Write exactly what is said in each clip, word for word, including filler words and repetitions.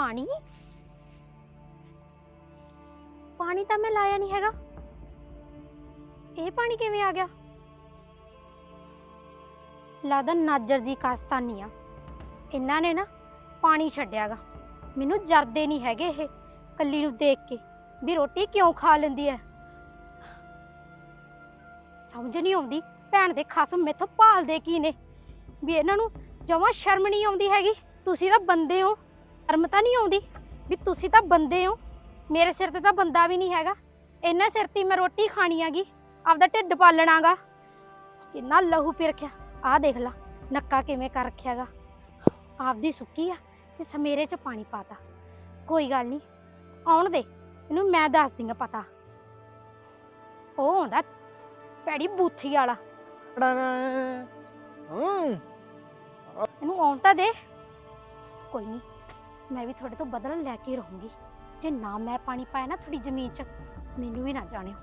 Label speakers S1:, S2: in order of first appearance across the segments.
S1: ਪਾਣੀ ਪਾਣੀ ਤਾਂ ਮੈਂ ਲਾਇਆ ਨਹੀਂ ਹੈਗਾ। ਇਹ ਪਾਣੀ ਕਿਵੇਂ ਆ ਗਿਆ? ਲੱਗਦਾ ਨਾਜਰ ਜੀ ਕਾਸਤਾਨੀ ਆ, ਇਹਨਾਂ ਨੇ ਨਾ ਪਾਣੀ ਛੱਡਿਆਗਾ। ਮੈਨੂੰ ਜਰਦੇ ਨਹੀਂ ਹੈਗੇ ਇਹ ਕੱਲੀ ਨੂੰ ਦੇਖ ਕੇ ਵੀ ਰੋਟੀ ਕਿਉਂ ਖਾ ਲੈਂਦੀ ਐ। ਸਮਝ ਨਹੀਂ ਆਉਂਦੀ ਭੈਣ ਦੇ ਖਸਮ ਮੈਥੋਂ ਭਾਲਦੇ ਕੀ ਨੇ ਵੀ ਇਹਨਾਂ ਨੂੰ ਜਮਾਂ ਸ਼ਰਮ ਨਹੀਂ ਆਉਂਦੀ ਹੈਗੀ। ਤੁਸੀਂ ਤਾਂ ਬੰਦੇ ਹੋ, ਸ਼ਰਮ ਤਾਂ ਨਹੀਂ ਆਉਂਦੀ ਵੀ ਤੁਸੀਂ ਤਾਂ ਬੰਦੇ ਹੋ। ਮੇਰੇ ਸਿਰ ਤੇ ਤਾਂ ਬੰਦਾ ਵੀ ਨਹੀਂ ਹੈਗਾ, ਇਹਨਾਂ ਸਿਰ ਤੇ ਮੈਂ ਰੋਟੀ ਖਾਣੀ ਹੈਗੀ, ਆਪਦਾ ਢਿੱਡ ਪਾਲਣਾਗਾ। ਕਿੰਨਾ ਲਹੂ ਪੀ ਰੱਖਿਆ, ਆਹ ਦੇਖ ਲਾ ਨੱਕਾ ਕਿਵੇਂ ਕਰ ਰੱਖਿਆਗਾ। ਆਪਦੀ ਸੁੱਕੀ ਆ ਤੇ ਸਮੇਰੇ ਚ ਪਾਣੀ ਪਾਤਾ। ਕੋਈ ਗੱਲ ਨਹੀਂ, ਆਉਣ ਦੇ ਇਹਨੂੰ, ਮੈਂ ਦੱਸ ਦਿੰਗਾ ਪਤਾ। ਉਹ ਆਉਂਦਾ ਪੈੜੀ ਬੂਥੀ ਵਾਲਾ, ਇਹਨੂੰ ਆਉਣ ਤਾਂ ਦੇ। ਕੋਈ ਨਹੀਂ, ਮੈਂ ਵੀ ਤੁਹਾਡੇ ਤੋਂ ਬਦਲਾ ਲੈ ਕੇ ਰਹੂੰਗੀ। ਜੇ ਨਾ ਮੈਂ ਪਾਣੀ ਪਾਇਆ ਨਾ ਥੋੜੀ ਜ਼ਮੀਨ 'ਚ, ਮੈਨੂੰ ਵੀ ਨਾ ਜਾਣਿਓ।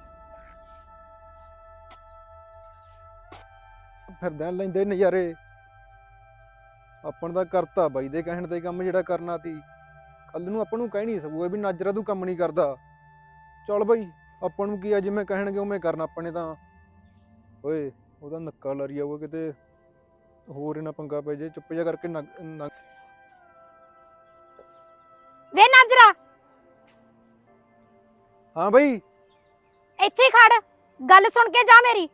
S2: ਫਿਰਦਿਆਂ ਲੈਂਦੇ ਨਜ਼ਾਰੇ। ਆਪਾਂ ਦਾ ਕਰਤਾ ਬਾਈ ਦੇ ਕਹਿਣ ਤੇ ਕੰਮ ਜਿਹੜਾ ਕਰਨਾ ਤੀ। ਕੱਲ ਨੂੰ ਆਪਾਂ ਨੂੰ ਕਹਿ ਨਹੀਂ ਸਕੂਗਾ ਵੀ ਨਾਜਰਾ ਤੂੰ ਕੰਮ ਨਹੀਂ ਕਰਦਾ। ਚੱਲ ਬਾਈ, ਆਪਾਂ ਨੂੰ ਕੀ ਆ, ਜਿਵੇਂ ਕਹਿਣਗੇ ਉਵੇਂ ਕਰਨਾ ਆਪਾਂ ਨੇ ਤਾਂ। ਓਏ ਉਹਦਾ ਨੱਕਾ ਲਰੀ ਜਾਊਗਾ ਕਿਤੇ ਹੋਰ ਇਹਨਾਂ ਪੰਗਾ ਪੈ ਜੇ। ਚੁੱਪ ਜਾ ਕਰਕੇ ਨੱਕ।
S1: ਵੇ ਨਾਜਰਾ,
S2: ਹਾਂ ਬਾਈ,
S1: ਇੱਥੇ ਹੀ ਖੜ, ਗੱਲ ਸੁਣ ਕੇ ਜਾ ਮੇਰੀ।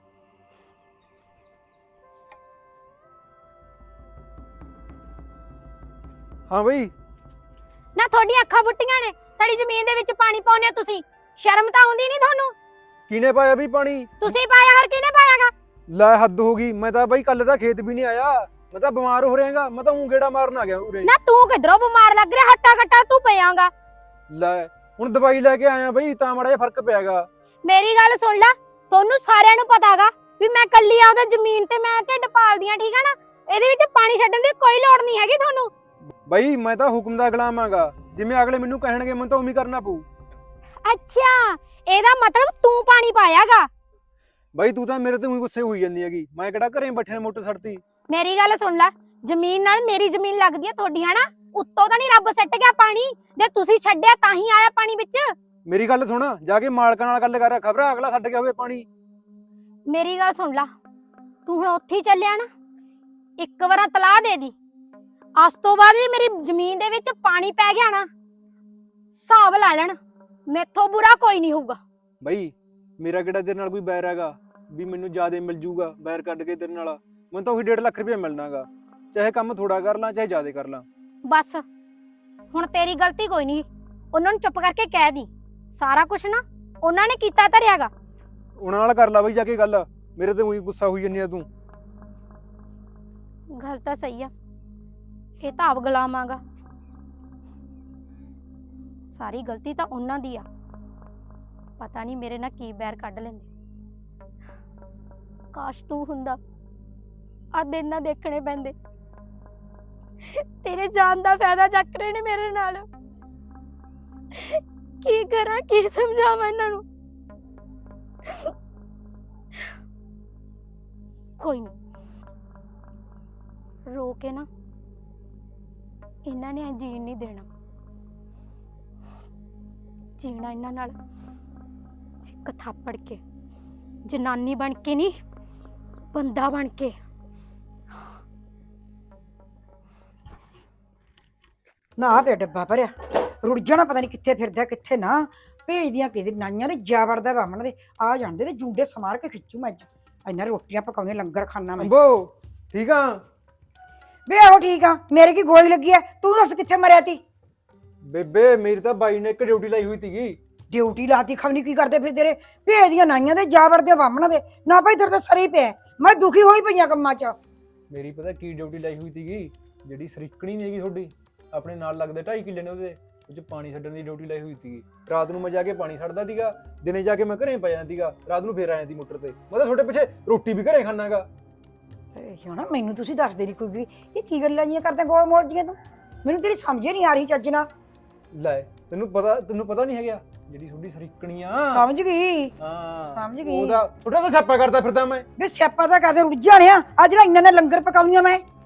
S2: ਹਾਂ ਬਾਈ।
S1: ਨਾ ਤੁਹਾਡੀਆਂ ਅੱਖਾਂ ਬੁੱਟੀਆਂ ਨੇ, ਸਾਡੀ ਜ਼ਮੀਨ ਦੇ ਵਿੱਚ ਪਾਣੀ ਪਾਉਂਦੇ ਹੋ ਤੁਸੀਂ। ਸ਼ਰਮ ਤਾਂ ਆਉਂਦੀ ਨਹੀਂ ਤੁਹਾਨੂੰ?
S2: ਕਿਹਨੇ ਪਾਇਆ ਵੀ ਪਾਣੀ?
S1: ਤੁਸੀਂ ਪਾਇਆ, ਹਰ ਕਿਹਨੇ ਪਾਇਆਗਾ?
S2: ਲੈ ਹੱਦ ਹੋ ਗਈ। ਮੈਂ ਤਾਂ ਬਾਈ ਕੱਲ ਦਾ ਖੇਤ ਵੀ ਨਹੀਂ ਆਇਆ, ਮੈਂ ਤਾਂ ਬਿਮਾਰ ਹੋ ਰਿਹਾਗਾ। ਮੈਂ ਤਾਂ ਊਂ ਗੇੜਾ ਮਾਰਨ ਆ ਗਿਆ ਉਰੇ।
S1: ਨਾ ਤੂੰ ਕਿਧਰੋਂ ਬਿਮਾਰ ਲੱਗ ਰਿਹਾ, ਹੱਟਾ ਘੱਟਾ ਤੂੰ ਪਿਆਂਗਾ।
S2: ਲੈ ਹੁਣ ਦਵਾਈ ਲੈ ਕੇ ਆਇਆ ਬਈ, ਤਾਂ ਮਾੜਾ ਜਿਹਾ ਫਰਕ ਪਿਆਗਾ।
S1: ਮੇਰੀ ਗੱਲ ਸੁਣ ਲੈ, ਤੁਹਾਨੂੰ ਸਾਰਿਆਂ ਨੂੰ ਪਤਾਗਾ ਵੀ ਮੈਂ ਕੱਲੀ ਆਪਦਾ ਜ਼ਮੀਨ ਤੇ ਮੈਂ ਢਿੱਡ ਪਾਲਦੀ ਆ, ਠੀਕ ਆ ਨਾ? ਇਹਦੇ ਵਿੱਚ ਪਾਣੀ ਛੱਡਣ ਦੀ ਕੋਈ ਲੋੜ ਨਹੀਂ ਹੈਗੀ ਤੁਹਾਨੂੰ।
S2: ਬਈ ਮੈਂ ਤਾਂ ਹੁਕਮ ਦਾ ਗੁਲਾਮ ਆਂਗਾ, ਜਿਵੇਂ ਅਗਲੇ ਮੈਨੂੰ ਕਹਿਣਗੇ ਮੈਨੂੰ ਤਾਂ ਉਵੇਂ ਕਰਨਾ ਪਊ।
S1: ਅੱਛਾ, ਇਹਦਾ ਮਤਲਬ ਤੂੰ ਪਾਣੀ ਪਾਇਆਗਾ?
S2: ਬਈ ਤੂੰ ਤਾਂ ਮੇਰੇ ਤੇ ਉਹੀ ਗੁੱਸੇ ਹੋਈ ਜਾਂਦੀ ਹੈਗੀ। ਮੈਂ ਕਿਹੜਾ ਘਰੇ ਬੈਠੇ ਨੇ ਮੋਟਰ ਛੱਡਤੀ।
S1: ਮੇਰੀ ਗੱਲ ਸੁਣ ਲੈ, ਜ਼ਮੀਨ ਨਾਲ ਮੇਰੀ ਜ਼ਮੀਨ ਲੱਗਦੀ ਆ ਤੁਹਾਡੀ, ਹਨਾ? ਉੱਤੋਂ ਤਾਂ ਨਹੀਂ ਰੱਬ ਸੱਟ ਗਿਆ ਪਾਣੀ, ਜੇ ਤੁਸੀਂ ਛੱਡਿਆ ਤਾਂ ਹੀ ਆਇਆ ਪਾਣੀ ਵਿੱਚ।
S2: ਮੇਰੀ ਗੱਲ ਸੁਣ, ਜਾ ਕੇ ਮਾਲਕਾਂ ਨਾਲ ਗੱਲ ਕਰ, ਖਬਰ ਅਗਲਾ ਛੱਡ ਗਿਆ ਹੋਵੇ ਪਾਣੀ।
S1: ਮੇਰੀ ਗੱਲ ਸੁਣ ਲੈ, ਤੂੰ ਹੁਣ ਉੱਥੇ ਹੀ ਚੱਲਿਆ ਨਾ, ਇੱਕ ਵਾਰ ਤਲਾਹ ਦੇ ਦੀ। ਅੱਜ ਤੋਂ ਬਾਅਦ ਜੇ ਮੇਰੀ ਜ਼ਮੀਨ ਦੇ ਵਿੱਚ ਪਾਣੀ ਪੈ ਗਿਆ ਨਾ, ਹਿਸਾਬ ਲਾ ਲੈਣ, ਮੈਥੋਂ ਬੁਰਾ ਕੋਈ ਨਹੀਂ ਹੋਊਗਾ।
S2: ਬਈ ਮੇਰਾ ਕਿਹੜਾ ਤੇਰੇ ਨਾਲ ਕੋਈ ਬੈਰ ਹੈਗਾ ਵੀ ਮੈਨੂੰ ਜ਼ਿਆਦਾ ਮਿਲ ਜੂਗਾ ਬੈਰ ਕੱਢ ਕੇ ਤੇਰੇ ਨਾਲ? ਮੈਨੂੰ ਤਾਂ ਉਹੀ ਡੇਢ ਲੱਖ ਰੁਪਇਆ ਮਿਲਣਾਗਾ, ਚਾਹੇ ਕੰਮ ਥੋੜਾ ਕਰ ਲਾਂ ਚਾਹੇ ਜ਼ਿਆਦਾ ਕਰ ਲਾਂ।
S1: ਬਸ ਹੁਣ ਤੇਰੀ ਗਲਤੀ ਕੋਈ ਨਹੀਂ, ਉਹਨਾਂ ਨੂੰ ਚੁੱਪ ਕਰਕੇ ਕਹਿ ਦੀ ਸਾਰਾ ਕੁਝ ਨਾ ਉਹਨਾਂ ਨੇ ਕੀਤਾ ਧਰਿਆਗਾ।
S2: ਉਹਨਾਂ ਨਾਲ ਕਰ ਲਾ ਬਈ ਜਾ ਕੇ ਗੱਲ, ਮੇਰੇ ਤੇ ਉਹੀ ਗੁੱਸਾ ਹੋਈ ਜਾਂਦੀ ਆ ਤੂੰ।
S1: ਗੱਲ ਤਾਂ ਸਹੀ ਆ, ਇਹ ਤਾਂ ਆਪ ਗੁਲਾਮਾਂਗਾ। ਸਾਰੀ ਗਲਤੀ ਤਾਂ ਉਹਨਾਂ ਦੀ ਆ, ਪਤਾ ਨਹੀਂ ਮੇਰੇ ਨਾਲ ਕੀ ਬੈਰ ਕੱਢ ਲੈਂਦੇ। ਕਾਸ਼ ਤੂੰ ਹੁੰਦਾ, ਆ ਦਿਨ ਨਾ ਦੇਖਣੇ ਪੈਂਦੇ। ਤੇਰੇ ਜਾਨ ਦਾ ਫਾਇਦਾ ਚੱਕ ਰਹੇ ਨੇ ਮੇਰੇ ਨਾਲ। ਕੀ ਕਰਾਂ, ਕੀ ਸਮਝਾਵਾਂ ਇਹਨਾਂ ਨੂੰ? ਕੋਈ ਨਹੀਂ, ਰੋ ਕੇ ਨਾ ਇਹਨਾਂ ਨੇ ਜੀਣ ਨਹੀਂ ਦੇਣਾ। ਜੀਣਾ ਇਹਨਾਂ ਨਾਲ ਇੱਕ ਥਾਪੜ ਕੇ, ਜਨਾਨੀ ਬਣ ਕੇ ਨਹੀਂ, ਬੰਦਾ ਬਣ ਕੇ।
S3: ਨਾ ਤੇ ਡੱਬਾ ਭਰਿਆ, ਰੁੜ ਜਾਣਾ, ਪਤਾ ਨਹੀਂ ਕਿੱਥੇ ਫਿਰਦਾ ਕਿੱਥੇ ਨਾ। ਭੇਜਦੀਆਂ ਕਿਹਦੇ ਨਾਈਆਂ ਨੇ, ਜਾ ਵੜਦਾ ਬਾਹਮਣ ਦੇ। ਆ ਜਾਂਦੇ ਤੇ ਜੂੰਡੇ ਸਮਾਰ ਕੇ ਖਿੱਚੂ ਮੈਂ ਅੱਜ। ਇੰਨਾ ਰੋਟੀਆਂ ਪਕਾਉਂਦੇ, ਲੰਗਰ ਖਾਣਾ ਮੈਂ।
S2: ਅੰਬੋ ਠੀਕ ਆ?
S3: ਵੇ ਆਹੋ ਠੀਕ ਆ, ਮੇਰੇ ਕੀ ਗੋਲੀ ਲੱਗੀ ਐ? ਤੂੰ ਦੱਸ ਕਿੱਥੇ ਮਰਿਆ ਤੀ?
S2: ਬੇਬੇ ਮੇਰੀ ਤਾਂ ਬਾਈ ਨੇ ਇੱਕ ਡਿਊਟੀ ਲਾਈ ਹੋਈ ਸੀਗੀ।
S3: ਡਿਊਟੀ ਲਾਤੀ, ਖਵਨੀ ਕੀ ਕਰਦੇ ਫਿਰ ਤੇਰੇ? ਭੇਜਦੀਆਂ ਨਾਈਆਂ ਦੇ, ਜਾ ਵੜਦੇ ਬਾਹਮਣ ਦੇ। ਨਾ ਭਾਈ ਤੇਰੇ ਤਾਂ ਸਰੀ ਪਿਆ, ਮੈਂ ਦੁਖੀ ਹੋਈ ਪਈਆਂ ਕੰਮਾਂ 'ਚ।
S2: ਮੇਰੀ ਪਤਾ ਕੀ ਡਿਊਟੀ ਲਾਈ ਹੋਈ ਸੀਗੀ? ਜਿਹੜੀ ਸਰੀਕਣੀ ਨਹੀਂ ਹੈਗੀ ਤੁਹਾਡੀ, ਆਪਣੇ ਨਾਲ ਲੱਗਦੇ ਢਾਈ ਕਿੱਲੇ ਨੇ, ਉਹਦੇ ਉਹ 'ਚ ਪਾਣੀ ਛੱਡਣ ਦੀ ਡਿਊਟੀ ਲਾਈ ਹੋਈ ਸੀਗੀ। ਰਾਤ ਨੂੰ ਮੈਂ ਜਾ ਕੇ ਪਾਣੀ ਛੱਡਦਾ ਸੀਗਾ, ਦਿਨੇ ਜਾ ਕੇ ਮੈਂ ਘਰੇ ਪੈ ਜਾਂਦਾ ਸੀਗਾ, ਰਾਤ ਨੂੰ ਫੇਰ ਆਇਆ ਸੀ ਮੋਟਰ ਤੇ। ਮੈਂ ਤਾਂ ਤੁਹਾਡੇ ਪਿੱਛੇ ਰੋਟੀ ਵੀ ਘਰੇ ਖਾਣਾਗਾ।
S3: ਜਾਣਾ ਮੈਨੂੰ ਤੁਸੀਂ ਦੱਸਦੇ ਨਹੀਂ ਕੋਈ ਵੀ, ਇਹ ਕੀ ਗੱਲਾਂ ਜੀਆਂ ਕਰਦੇ ਗੋਲ ਮੋੜ ਜੀਆਂ ਤੂੰ? ਮੈਨੂੰ ਤੇਰੀ ਸਮਝ ਨਹੀਂ ਆ ਰਹੀ ਚੱਜ ਨਾਲ।
S2: ਲੈ ਤੈਨੂੰ ਪਤਾ ਤੈਨੂੰ ਪਤਾ ਨਹੀਂ ਹੈਗਾ ਜਿਹੜੀ ਤੁਹਾਡੀ ਸਰੀਕਣੀ ਆ?
S3: ਸਮਝ ਗਈ,
S2: ਹਾਂ
S3: ਸਮਝ ਗਈ।
S2: ਉਹਦਾ ਥੋੜਾ ਤਾਂ ਛਾਪਾ ਕਰਦਾ ਫਿਰਦਾ ਮੈਂ।
S3: ਵੇ ਸਿਆਪਾ ਤਾਂ ਕਹਦੇ ਰੁੱਝ ਜਾਣਿਆ, ਆ ਜਿਹੜਾ ਇੰਨਾ ਨੇ ਲੰਗਰ ਪਕਾਉਣੀਆਂ ਮੈਂ।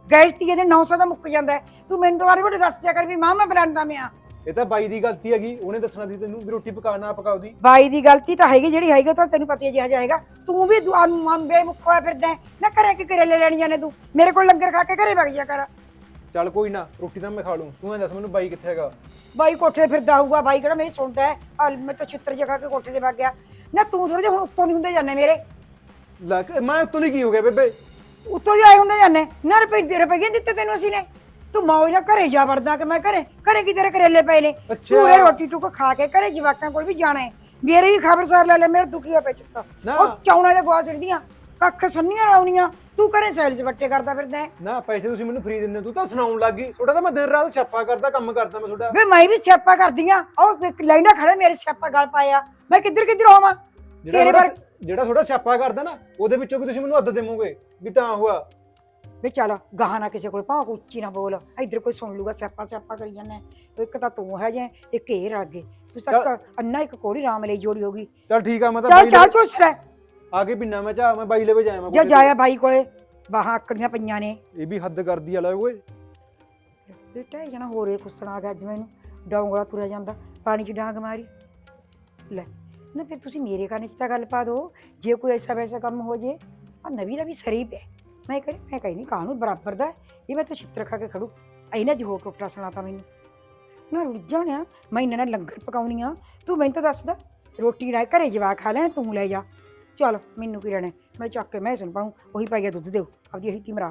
S3: ਗੈਸ ਤੀ ਇਹਦੇ ਨੌ ਸੌ ਦਾ ਮੁੱਕ ਜਾਂਦਾ ਹੈ। ਤੂੰ ਮੈਨੂੰ ਦੁਬਾਰਾ ਬੋਲੇ ਦੱਸ ਜਾ ਕਰ ਵੀ ਮਾਂ ਮੈਂ ਬਲਾਂਦਾ ਮੈਂ
S2: ਇਹ ਤਾਂ ਬਾਈ ਦੀ ਗਲਤੀ ਹੈਗੀ, ਉਹਨੇ ਦੱਸਣਾ ਸੀ ਤੈਨੂੰ ਵੀ ਰੋਟੀ ਪਕਾ ਨਾ ਪਕਾ ਉਹਦੀ।
S3: ਬਾਈ ਦੀ ਗਲਤੀ ਤਾਂ ਹੈਗੀ, ਜਿਹੜੀ ਹੈਗੀ ਉਹ ਤਾਂ ਤੈਨੂੰ ਪਤਾ ਹੀ ਜਿਹਾ ਜਾਏਗਾ। ਤੂੰ ਵੀ ਬੇਮੁੱਖ ਹੋਇਆ ਫਿਰਦਾ ਹੈ। ਨਾ ਘਰੇ ਕਿ ਕਰੇਲੇ ਲੈਣ ਜਾਣੇ ਤੂੰ, ਮੇਰੇ ਕੋਲ ਲੰਗਰ ਖਾ ਕੇ ਘਰੇ ਵਗ ਜਾ ਕਰ।
S2: ਚੱਲ ਕੋਈ ਨਾ, ਰੋਟੀ ਤਾਂ ਮੈਂ ਖਾ ਲੂੰ, ਤੂੰ ਐਂ ਦੱਸ ਮੈਨੂੰ ਬਾਈ ਕਿੱਥੇ ਹੈਗਾ?
S3: ਬਾਈ ਕੋਠੇ ਤੇ ਫਿਰਦਾ ਹੋਊਗਾ, ਬਾਈ ਕਿਹੜਾ ਮੇਰੀ ਸੁਣਦਾ ਹੈ? ਆ ਮੈਂ ਤਾਂ ਛਿੱਤਰ ਜਗਾ ਕੇ ਕੋਠੇ ਤੇ ਵਗ ਗਿਆ ਨਾ। ਤੂੰ ਥੋੜੇ ਜਿਹਾ ਹੁਣ ਉੱਤੋਂ ਨਹੀਂ ਹੁੰਦੇ ਜਾਂਦੇ ਮੇਰੇ।
S2: ਲੈ ਕੇ- ਮੈਂ ਉੱਤੋਂ ਦੀ ਕੀ ਹੋ ਗਿਆ ਬੇਬੇ?
S3: ਉੱਤੋਂ ਹੀ ਆਏ ਹੁੰਦੇ ਜਾਂਦੇ ਨਾ। ਰੁਪਏ ਰੁਪਏ ਦਿੱਤੇ ਤੈਨੂੰ ਅਸੀਂ ਨੇ, ਤੂੰ ਮੌਜ ਨਾਲ ਘਰੇ ਜਾ ਵੜਦਾ ਕਿ ਮੈਂ ਘਰੇ ਘਰੇ ਕੀ ਤੇਰੇ ਕਰੇਲੇ ਪਏ ਨੇ। ਤੂੰ ਇਹ ਰੋਟੀ ਟੁੱਕ ਖਾ ਕੇ ਘਰੇ ਜਵਾਕਾਂ ਕੋਲ ਵੀ ਜਾਣਾ ਹੈ। ਮੇਰੇ ਵੀ ਖਬਰਸਾਰ ਲੈ ਲੈ, ਮੇਰੇ ਦੁਖੀ ਆ ਪੈ ਚੁੱਕਾ। ਉਹ ਚੌਣਾ ਦੇ ਗਵਾ ਛੱਡਦੀਆਂ, ਕੱਖ ਸੰਨੀਆਂ ਲਾਉਣੀਆਂ, ਤੂੰ ਘਰੇ ਸੈਲਸ ਵੱਟੇ ਕਰਦਾ ਫਿਰਦਾ ਹੈ।
S2: ਨਾ ਪੈਸੇ ਤੁਸੀਂ ਮੈਨੂੰ ਫ੍ਰੀ ਦਿੰਦੇ, ਤੂੰ ਤਾਂ ਸੁਣਾਉਣ ਲੱਗ ਗਈ। ਤੁਹਾਡਾ ਤਾਂ ਮੈਂ ਦਿਨ ਰਾਤ ਛਾਪਾ ਕਰਦਾ, ਕੰਮ ਕਰਦਾ ਮੈਂ ਤੁਹਾਡਾ।
S3: ਵੇ ਮੈਂ ਵੀ ਸਿਆਪਾ ਕਰਦੀ ਆ, ਉਹ ਲੈਂਦਾ ਖੜੇ ਮੇਰੇ ਸਿਆਪਾ ਗਲ ਪਾਇਆ। ਮੈਂ ਕਿੱਧਰ ਕਿੱਧਰ ਹੋਵਾਂ?
S2: ਜਿਹੜਾ ਤੁਹਾਡਾ ਜਿਹੜਾ ਤੁਹਾਡਾ ਛਾਪਾ ਕਰਦਾ ਨਾ, ਉਹਦੇ ਵਿੱਚੋਂ ਵੀ ਤੁਸੀਂ ਮੈਨੂੰ ਅੱਧ ਦੇਵੋਗੇ ਵੀ ਤਾਂ ਹੋਆ।
S3: ਵੇ ਚੱਲ ਗਾਹਾਂ ਨਾ ਕਿਸੇ ਕੋਲ ਭਾਵੇਂ ਉੱਚੀ ਨਾ ਬੋਲ, ਇੱਧਰ ਕੋਈ ਸੁਣ ਲੂਗਾ ਸਿਆਪਾ ਸਿਆਪਾ ਕਰੀ ਜਾਂਦਾ। ਇੱਕ ਤਾਂ ਤੂੰ ਹੈ ਜੇ, ਇੱਕ ਇਹ ਰਲ ਗਏ। ਤੁਸੀਂ ਤੱਕ ਅੰਨਾ ਇੱਕ ਕੋੜੀ ਰਾਮ ਲਈ ਜੋੜੀ ਹੋਗੀ।
S2: ਚੱਲ ਠੀਕ ਆ, ਮੈਂ ਤਾਂ
S3: ਚੱਲ ਚਾਹ ਚੁੱਸ ਲੈ
S2: ਆ ਕੇ ਪਿੰਨਾ ਮੈਂ ਚਾਹ, ਮੈਂ ਬਾਈ ਲਵੇ ਜਾਇਆ
S3: ਜਾ ਜਾਇਆ ਬਾਈ ਕੋਲੇ। ਬਾਹਾਂ ਆਕੜੀਆਂ ਪਈਆਂ ਨੇ।
S2: ਇਹ ਵੀ ਹੱਦ ਕਰਦੀ ਆ ਲੈ ਓਏ।
S3: ਬੇਟਾ ਇਹ ਜਣਾ ਹੋਰੇ ਕੁੱਸਣ ਆ ਗਿਆ ਅੱਜ ਮੈਨੂੰ। ਡੌਂਗਲਾ ਤੁਰਿਆ ਜਾਂਦਾ, ਪਾਣੀ 'ਚ ਡਾਂਗ ਮਾਰੀ ਲੈ ਨਾ। ਫਿਰ ਤੁਸੀਂ ਮੇਰੇ ਕੰਨ 'ਚ ਤਾਂ ਗੱਲ ਪਾ ਦਿਓ, ਜੇ ਕੋਈ ਐਸਾ ਵੈਸਾ ਕੰਮ ਹੋ ਜੇ। ਆ ਨਵੀਂ ਦਾ ਵੀ ਸਰੀ ਪਿਆ। ਮੈਂ ਕਹੀ ਮੈਂ ਕਹੀ ਨਹੀਂ ਕਾਹਨੂੰ ਬਰਾਬਰ ਦਾ ਇਹ, ਮੈਂ ਤਾਂ ਛਿੱਤਰ ਖਾ ਕੇ ਖੜੂ। ਐਨਾ ਜੋ ਟੁੱਟਾ ਸੁਣਾ ਤਾ ਮੈਨੂੰ ਨਾ। ਰੁੱਝ ਜਾਣਿਆ ਮੈਂ ਇਹਨਾਂ ਨਾਲ ਲੰਗਰ ਪਕਾਉਣੀ ਆ। ਤੂੰ ਮੈਨੂੰ ਤਾਂ ਦੱਸਦਾ, ਰੋਟੀ ਨਾ ਘਰੇ ਜਵਾ ਖਾ ਲੈਣ, ਤੂੰ ਲੈ ਜਾ। ਚੱਲ ਮੈਨੂੰ ਕੀ ਰਹਿਣਾ, ਮੈਂ ਚੱਕ ਕੇ ਮੈਂ ਸੁਣ ਪਾਉਂ। ਉਹੀ ਪੈ ਗਿਆ ਦੁੱਧ ਦਿਓ ਆਪਦੀ ਇਹੀ ਮਰਾ।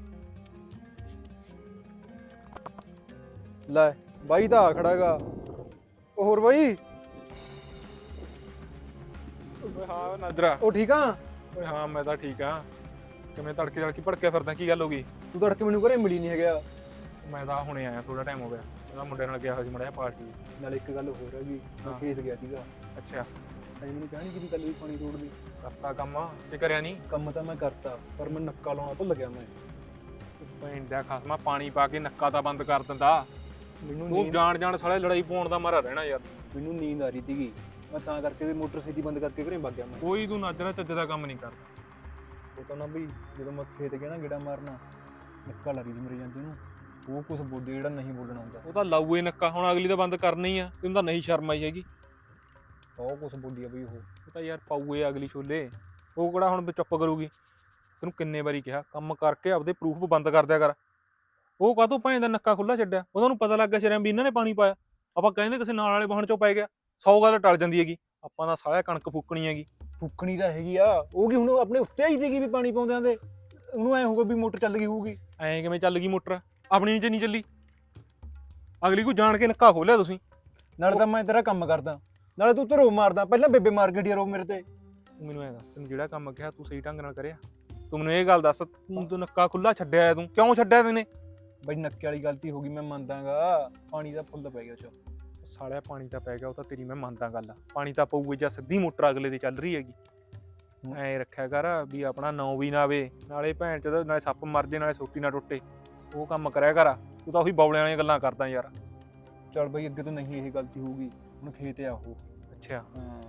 S2: ਲੈ ਬਾਈ ਤਾਂ ਆ ਖੜਾਗਾ। ਉਹ ਹੋਰ ਬਾਈ?
S4: ਓਏ ਹਾਂ ਨਾਜਰਾ।
S2: ਉਹ ਠੀਕ ਆ?
S4: ਓਏ ਹਾਂ ਮੈਂ ਤਾਂ ਠੀਕ ਆ। ਕਿਵੇਂ ਤੜਕੇ ਤੜਕੇ ਭੜਕਿਆ ਫਿਰਦਾ, ਕੀ ਗੱਲ ਹੋ ਗਈ?
S2: ਤੂੰ ਤੜਕੇ ਮੈਨੂੰ ਘਰੇ ਮਿਲੀ ਨਹੀਂ ਹੈਗਾ।
S4: ਮੈਂ ਤਾਂ ਹੁਣੇ ਆਇਆ, ਥੋੜਾ ਟਾਈਮ ਹੋ ਗਿਆ। ਉਹਦਾ ਮੁੰਡੇ ਨਾਲ ਗਿਆ ਹੋਇਆ ਸੀ ਮੜਿਆ ਪਾਰਟੀ।
S2: ਨਾਲ ਇੱਕ ਗੱਲ ਹੋਰ ਹੈਗੀ, ਮੈਂ
S4: ਹਾਂ।
S2: ਖੇਤ ਗਿਆ ਸੀਗਾ।
S4: ਅੱਛਾ
S2: ਅਜੇ ਮੈਨੂੰ ਕਹਿਣੀ ਕਿ ਕੱਲ ਵੀ ਪਾਣੀ ਰੋੜਦੀ।
S4: ਕਰਤਾ ਕੰਮ ਤੇ ਕਰਿਆ ਨਹੀਂ?
S2: ਕੰਮ ਤਾਂ ਮੈਂ ਕਰਤਾ, ਪਰ ਮੈਂ ਨੱਕਾ ਲਾਉਣਾ ਭੁੱਲ ਗਿਆ। ਮੈਂ
S4: ਪੈਂਦਾ ਖਾਸਮਾ ਪਾਣੀ ਪਾ ਕੇ ਨੱਕਾ ਤਾਂ ਬੰਦ ਕਰ ਦਿੰਦਾ।
S2: ਮੈਨੂੰ
S4: ਤੂੰ
S2: ਨੀਂਦ
S4: ਜਾਣ ਜਾਣ ਸਾਲੇ ਲੜਾਈ ਪਾਉਣ ਦਾ ਮਾਰਾ ਰਹਿਣਾ ਯਾਰ।
S2: ਮੈਨੂੰ ਨੀਂਦ ਆ ਰਹੀ ਸੀਗੀ, ਮੈਂ ਤਾਂ ਕਰਕੇ ਵੀ ਮੋਟਰ ਛੇਤੀ ਬੰਦ ਕਰਕੇ ਘਰੇ ਵਗ ਗਿਆ ਮੈਂ।
S4: ਕੋਈ ਤੂੰ ਨਾਜਰਾ ਚੱਜ ਦਾ ਕੰਮ ਨਹੀਂ ਕਰਦਾ।
S2: ਉਹ ਤਾਂ ਨਾ ਬਈ ਜਦੋਂ ਮੈਂ ਖੇਤ ਗਿਆ ਨਾ ਗੇੜਾ ਮਾਰਨਾ, ਨੱਕਾ ਲੱਗੀ ਸੀ ਮੇਰੇ ਜਾਂਦੇ ਨੂੰ। ਉਹ ਕੁਛ ਬੋਲੇ ਜਿਹੜਾ ਨਹੀਂ ਬੋਲਣਾ ਹੁੰਦਾ।
S4: ਉਹ ਤਾਂ ਲਾਊਏ ਨੱਕਾ, ਹੁਣ ਅਗਲੀ ਤਾਂ ਬੰਦ ਕਰਨੀ ਆ। ਤੈਨੂੰ ਤਾਂ ਨਹੀਂ ਸ਼ਰਮ ਆਈ ਹੈਗੀ।
S2: ਬਹੁਤ ਕੁਛ ਬੋਲੀ ਆ ਬਈ ਉਹ।
S4: ਉਹ ਤਾਂ ਯਾਰ ਪਾਊਏ ਅਗਲੀ ਛੋਲੇ, ਉਹ ਕਿਹੜਾ ਹੁਣ ਚੁੱਪ ਕਰੂਗੀ? ਤੈਨੂੰ ਕਿੰਨੇ ਵਾਰੀ ਕਿਹਾ ਕੰਮ ਕਰਕੇ ਆਪਦੇ ਪ੍ਰੂਫ ਬੰਦ ਕਰ ਦਿਆ ਕਰ। ਉਹ ਕਾਹਤੋਂ ਭਾਂ ਦਾ ਨੱਕਾ ਖੁੱਲਾ ਛੱਡਿਆ? ਉਹਨਾਂ ਨੂੰ ਪਤਾ ਲੱਗ ਗਿਆ ਸ਼ਰਮ ਵੀ ਇਹਨਾਂ ਨੇ ਪਾਣੀ ਪਾਇਆ। ਆਪਾਂ ਕਹਿੰਦੇ ਕਿਸੇ ਨਾਲ ਵਾਲੇ ਵਾਹਣ ਚੋਂ ਪੈ ਗਿਆ, ਸੌ ਗੱਲ ਟਲ ਜਾਂਦੀ ਹੈਗੀ। ਆਪਾਂ ਦਾ ਸਾਲਿਆ ਕਣਕ ਫੂਕਣੀ ਹੈਗੀ।
S2: ਫੁੱਕਣੀ ਤਾਂ ਹੈਗੀ ਆ, ਉਹ ਕੀ ਹੁਣ ਆਪਣੇ ਉੱਤੇ ਆਈ ਸੀਗੀ ਵੀ ਪਾਣੀ ਪਾਉਂਦਿਆਂ ਦੇ। ਉਹਨੂੰ ਐ ਹੋਊਗਾ ਵੀ ਮੋਟਰ ਚੱਲ ਗਈ ਹੋਊਗੀ।
S4: ਐਂ ਕਿਵੇਂ ਚੱਲ ਗਈ ਮੋਟਰ? ਆਪਣੀ ਨੀਚੇ ਨਹੀਂ ਚੱਲੀ, ਅਗਲੀ ਕੋਈ ਜਾਣ ਕੇ ਨੱਕਾ ਖੋਲਿਆ ਤੁਸੀਂ।
S2: ਨਾਲੇ ਤਾਂ ਮੈਂ ਤੇਰਾ ਕੰਮ ਕਰਦਾ, ਨਾਲੇ ਤੂੰ ਧਰੋ ਮਾਰਦਾ। ਪਹਿਲਾਂ ਬੇਬੇ ਮਾਰ ਕੇ ਰੋ ਮੇਰੇ ਤੇ।
S4: ਤੂੰ ਮੈਨੂੰ ਐਂ ਦੱਸ, ਤੈਨੂੰ ਜਿਹੜਾ ਕੰਮ ਕਿਹਾ ਤੂੰ ਸਹੀ ਢੰਗ ਨਾਲ ਕਰਿਆ? ਤੂੰ ਮੈਨੂੰ ਇਹ ਗੱਲ ਦੱਸ, ਤੂੰ ਤੂੰ ਨੱਕਾ ਖੁੱਲਾ ਛੱਡਿਆ, ਤੂੰ ਕਿਉਂ ਛੱਡਿਆ? ਤੈਨੇ
S2: ਬਈ ਨੱਕੇ ਵਾਲੀ ਗਲਤੀ ਹੋ ਗਈ, ਮੈਂ ਮੰਨਦਾਗਾ। ਪਾਣੀ ਦਾ ਫੁੱਲ ਪੈ ਗਿਆ ਚ।
S4: ਸਾਲਿਆ ਪਾਣੀ ਤਾਂ ਪੈ ਗਿਆ, ਉਹ ਤਾਂ ਤੇਰੀ ਮੈਂ ਮੰਨਦਾ ਗੱਲ। ਪਾਣੀ ਤਾਂ ਪਊਗੇ ਜਾਂ ਸਿੱਧੀ ਮੋਟਰ ਅਗਲੇ ਦੀ ਚੱਲ ਰਹੀ ਹੈਗੀ। ਐਂ ਰੱਖਿਆ ਕਰ ਵੀ ਆਪਣਾ ਨਾਂ ਵੀ ਨਾ ਆਵੇ, ਨਾਲੇ ਭੈਣ ਚ ਨਾਲੇ ਸੱਪ ਮਰ ਜੇ, ਨਾਲੇ ਸੋਟੀ ਨਾ ਟੁੱਟੇ। ਉਹ ਕੰਮ ਕਰਿਆ ਕਰ। ਤੂੰ ਤਾਂ ਉਹੀ ਬੌਲਿਆਂ ਵਾਲੀਆਂ ਗੱਲਾਂ ਕਰਦਾ ਯਾਰ।
S2: ਚੱਲ ਬਈ ਅੱਗੇ ਤੋਂ ਨਹੀਂ ਇਹ ਗਲਤੀ ਹੋਊਗੀ। ਹੁਣ ਖੇਤ ਆ ਉਹ।
S4: ਅੱਛਾ
S2: ਹਾਂ,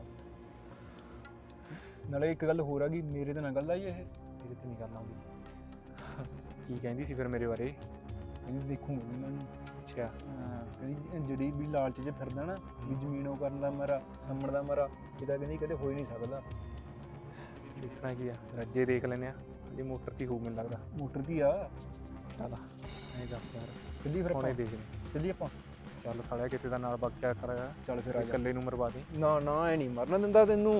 S2: ਨਾਲੇ ਇੱਕ ਗੱਲ ਹੋਰ ਆ ਗਈ, ਮੇਰੇ ਤੇ ਨਾ ਗੱਲ ਆਈ ਇਹ।
S4: ਤੇਰੇ ਤੇ ਨਹੀਂ ਗੱਲ ਆਉਂਦੀ। ਕੀ ਕਹਿੰਦੀ ਸੀ ਫਿਰ ਮੇਰੇ ਬਾਰੇ?
S2: ਕਹਿੰਦੀ ਦੇਖੂਗਾ ਵੀ ਮੈਨੂੰ।
S4: ਅੱਛਾ
S2: ਹਾਂ, ਕਹਿੰਦੀ ਜਿਹੜੀ ਵੀ ਲਾਲਚ 'ਚ ਫਿਰਦਾ ਨਾ ਵੀ ਜ਼ਮੀਨ ਉਹ ਕਰਨ ਦਾ ਮਾਰਾ, ਸੰਮਣ ਦਾ ਮਾਰਾ, ਇਹਦਾ ਕਹਿੰਦੀ ਕਦੇ ਹੋ ਹੀ ਨਹੀਂ ਸਕਦਾ।
S4: ਦੇਖਣਾ ਕੀ ਆ, ਰੱਜੇ ਦੇਖ ਲੈਨੇ ਆ। ਇਹ ਮੋਟਰ ਤੇ ਹੋਊ ਮੈਨੂੰ ਲੱਗਦਾ।
S2: ਮੋਟਰ ਦੀ ਆ।
S4: ਚੱਲ ਐਂ ਦੱਸ ਯਾਰ,
S2: ਚੱਲੀ ਫਿਰ
S4: ਹੁਣੇ
S2: ਆਪਾਂ,
S4: ਦੇਖ ਲੈ।
S2: ਚੱਲੀ ਆਪਾਂ।
S4: ਚੱਲ ਸਾਲਿਆ ਕਿਤੇ ਦਾ ਨਾਲ ਬਕਿਆ ਕਰਾਇਆ।
S2: ਚੱਲ ਫਿਰ ਆ ਜਾ।
S4: ਇਕੱਲੇ ਨੂੰ ਮਰਵਾ ਦੇ।
S2: ਨਾ ਨਾ ਐ ਨਹੀਂ ਮਰਨਾ ਦਿੰਦਾ ਤੈਨੂੰ।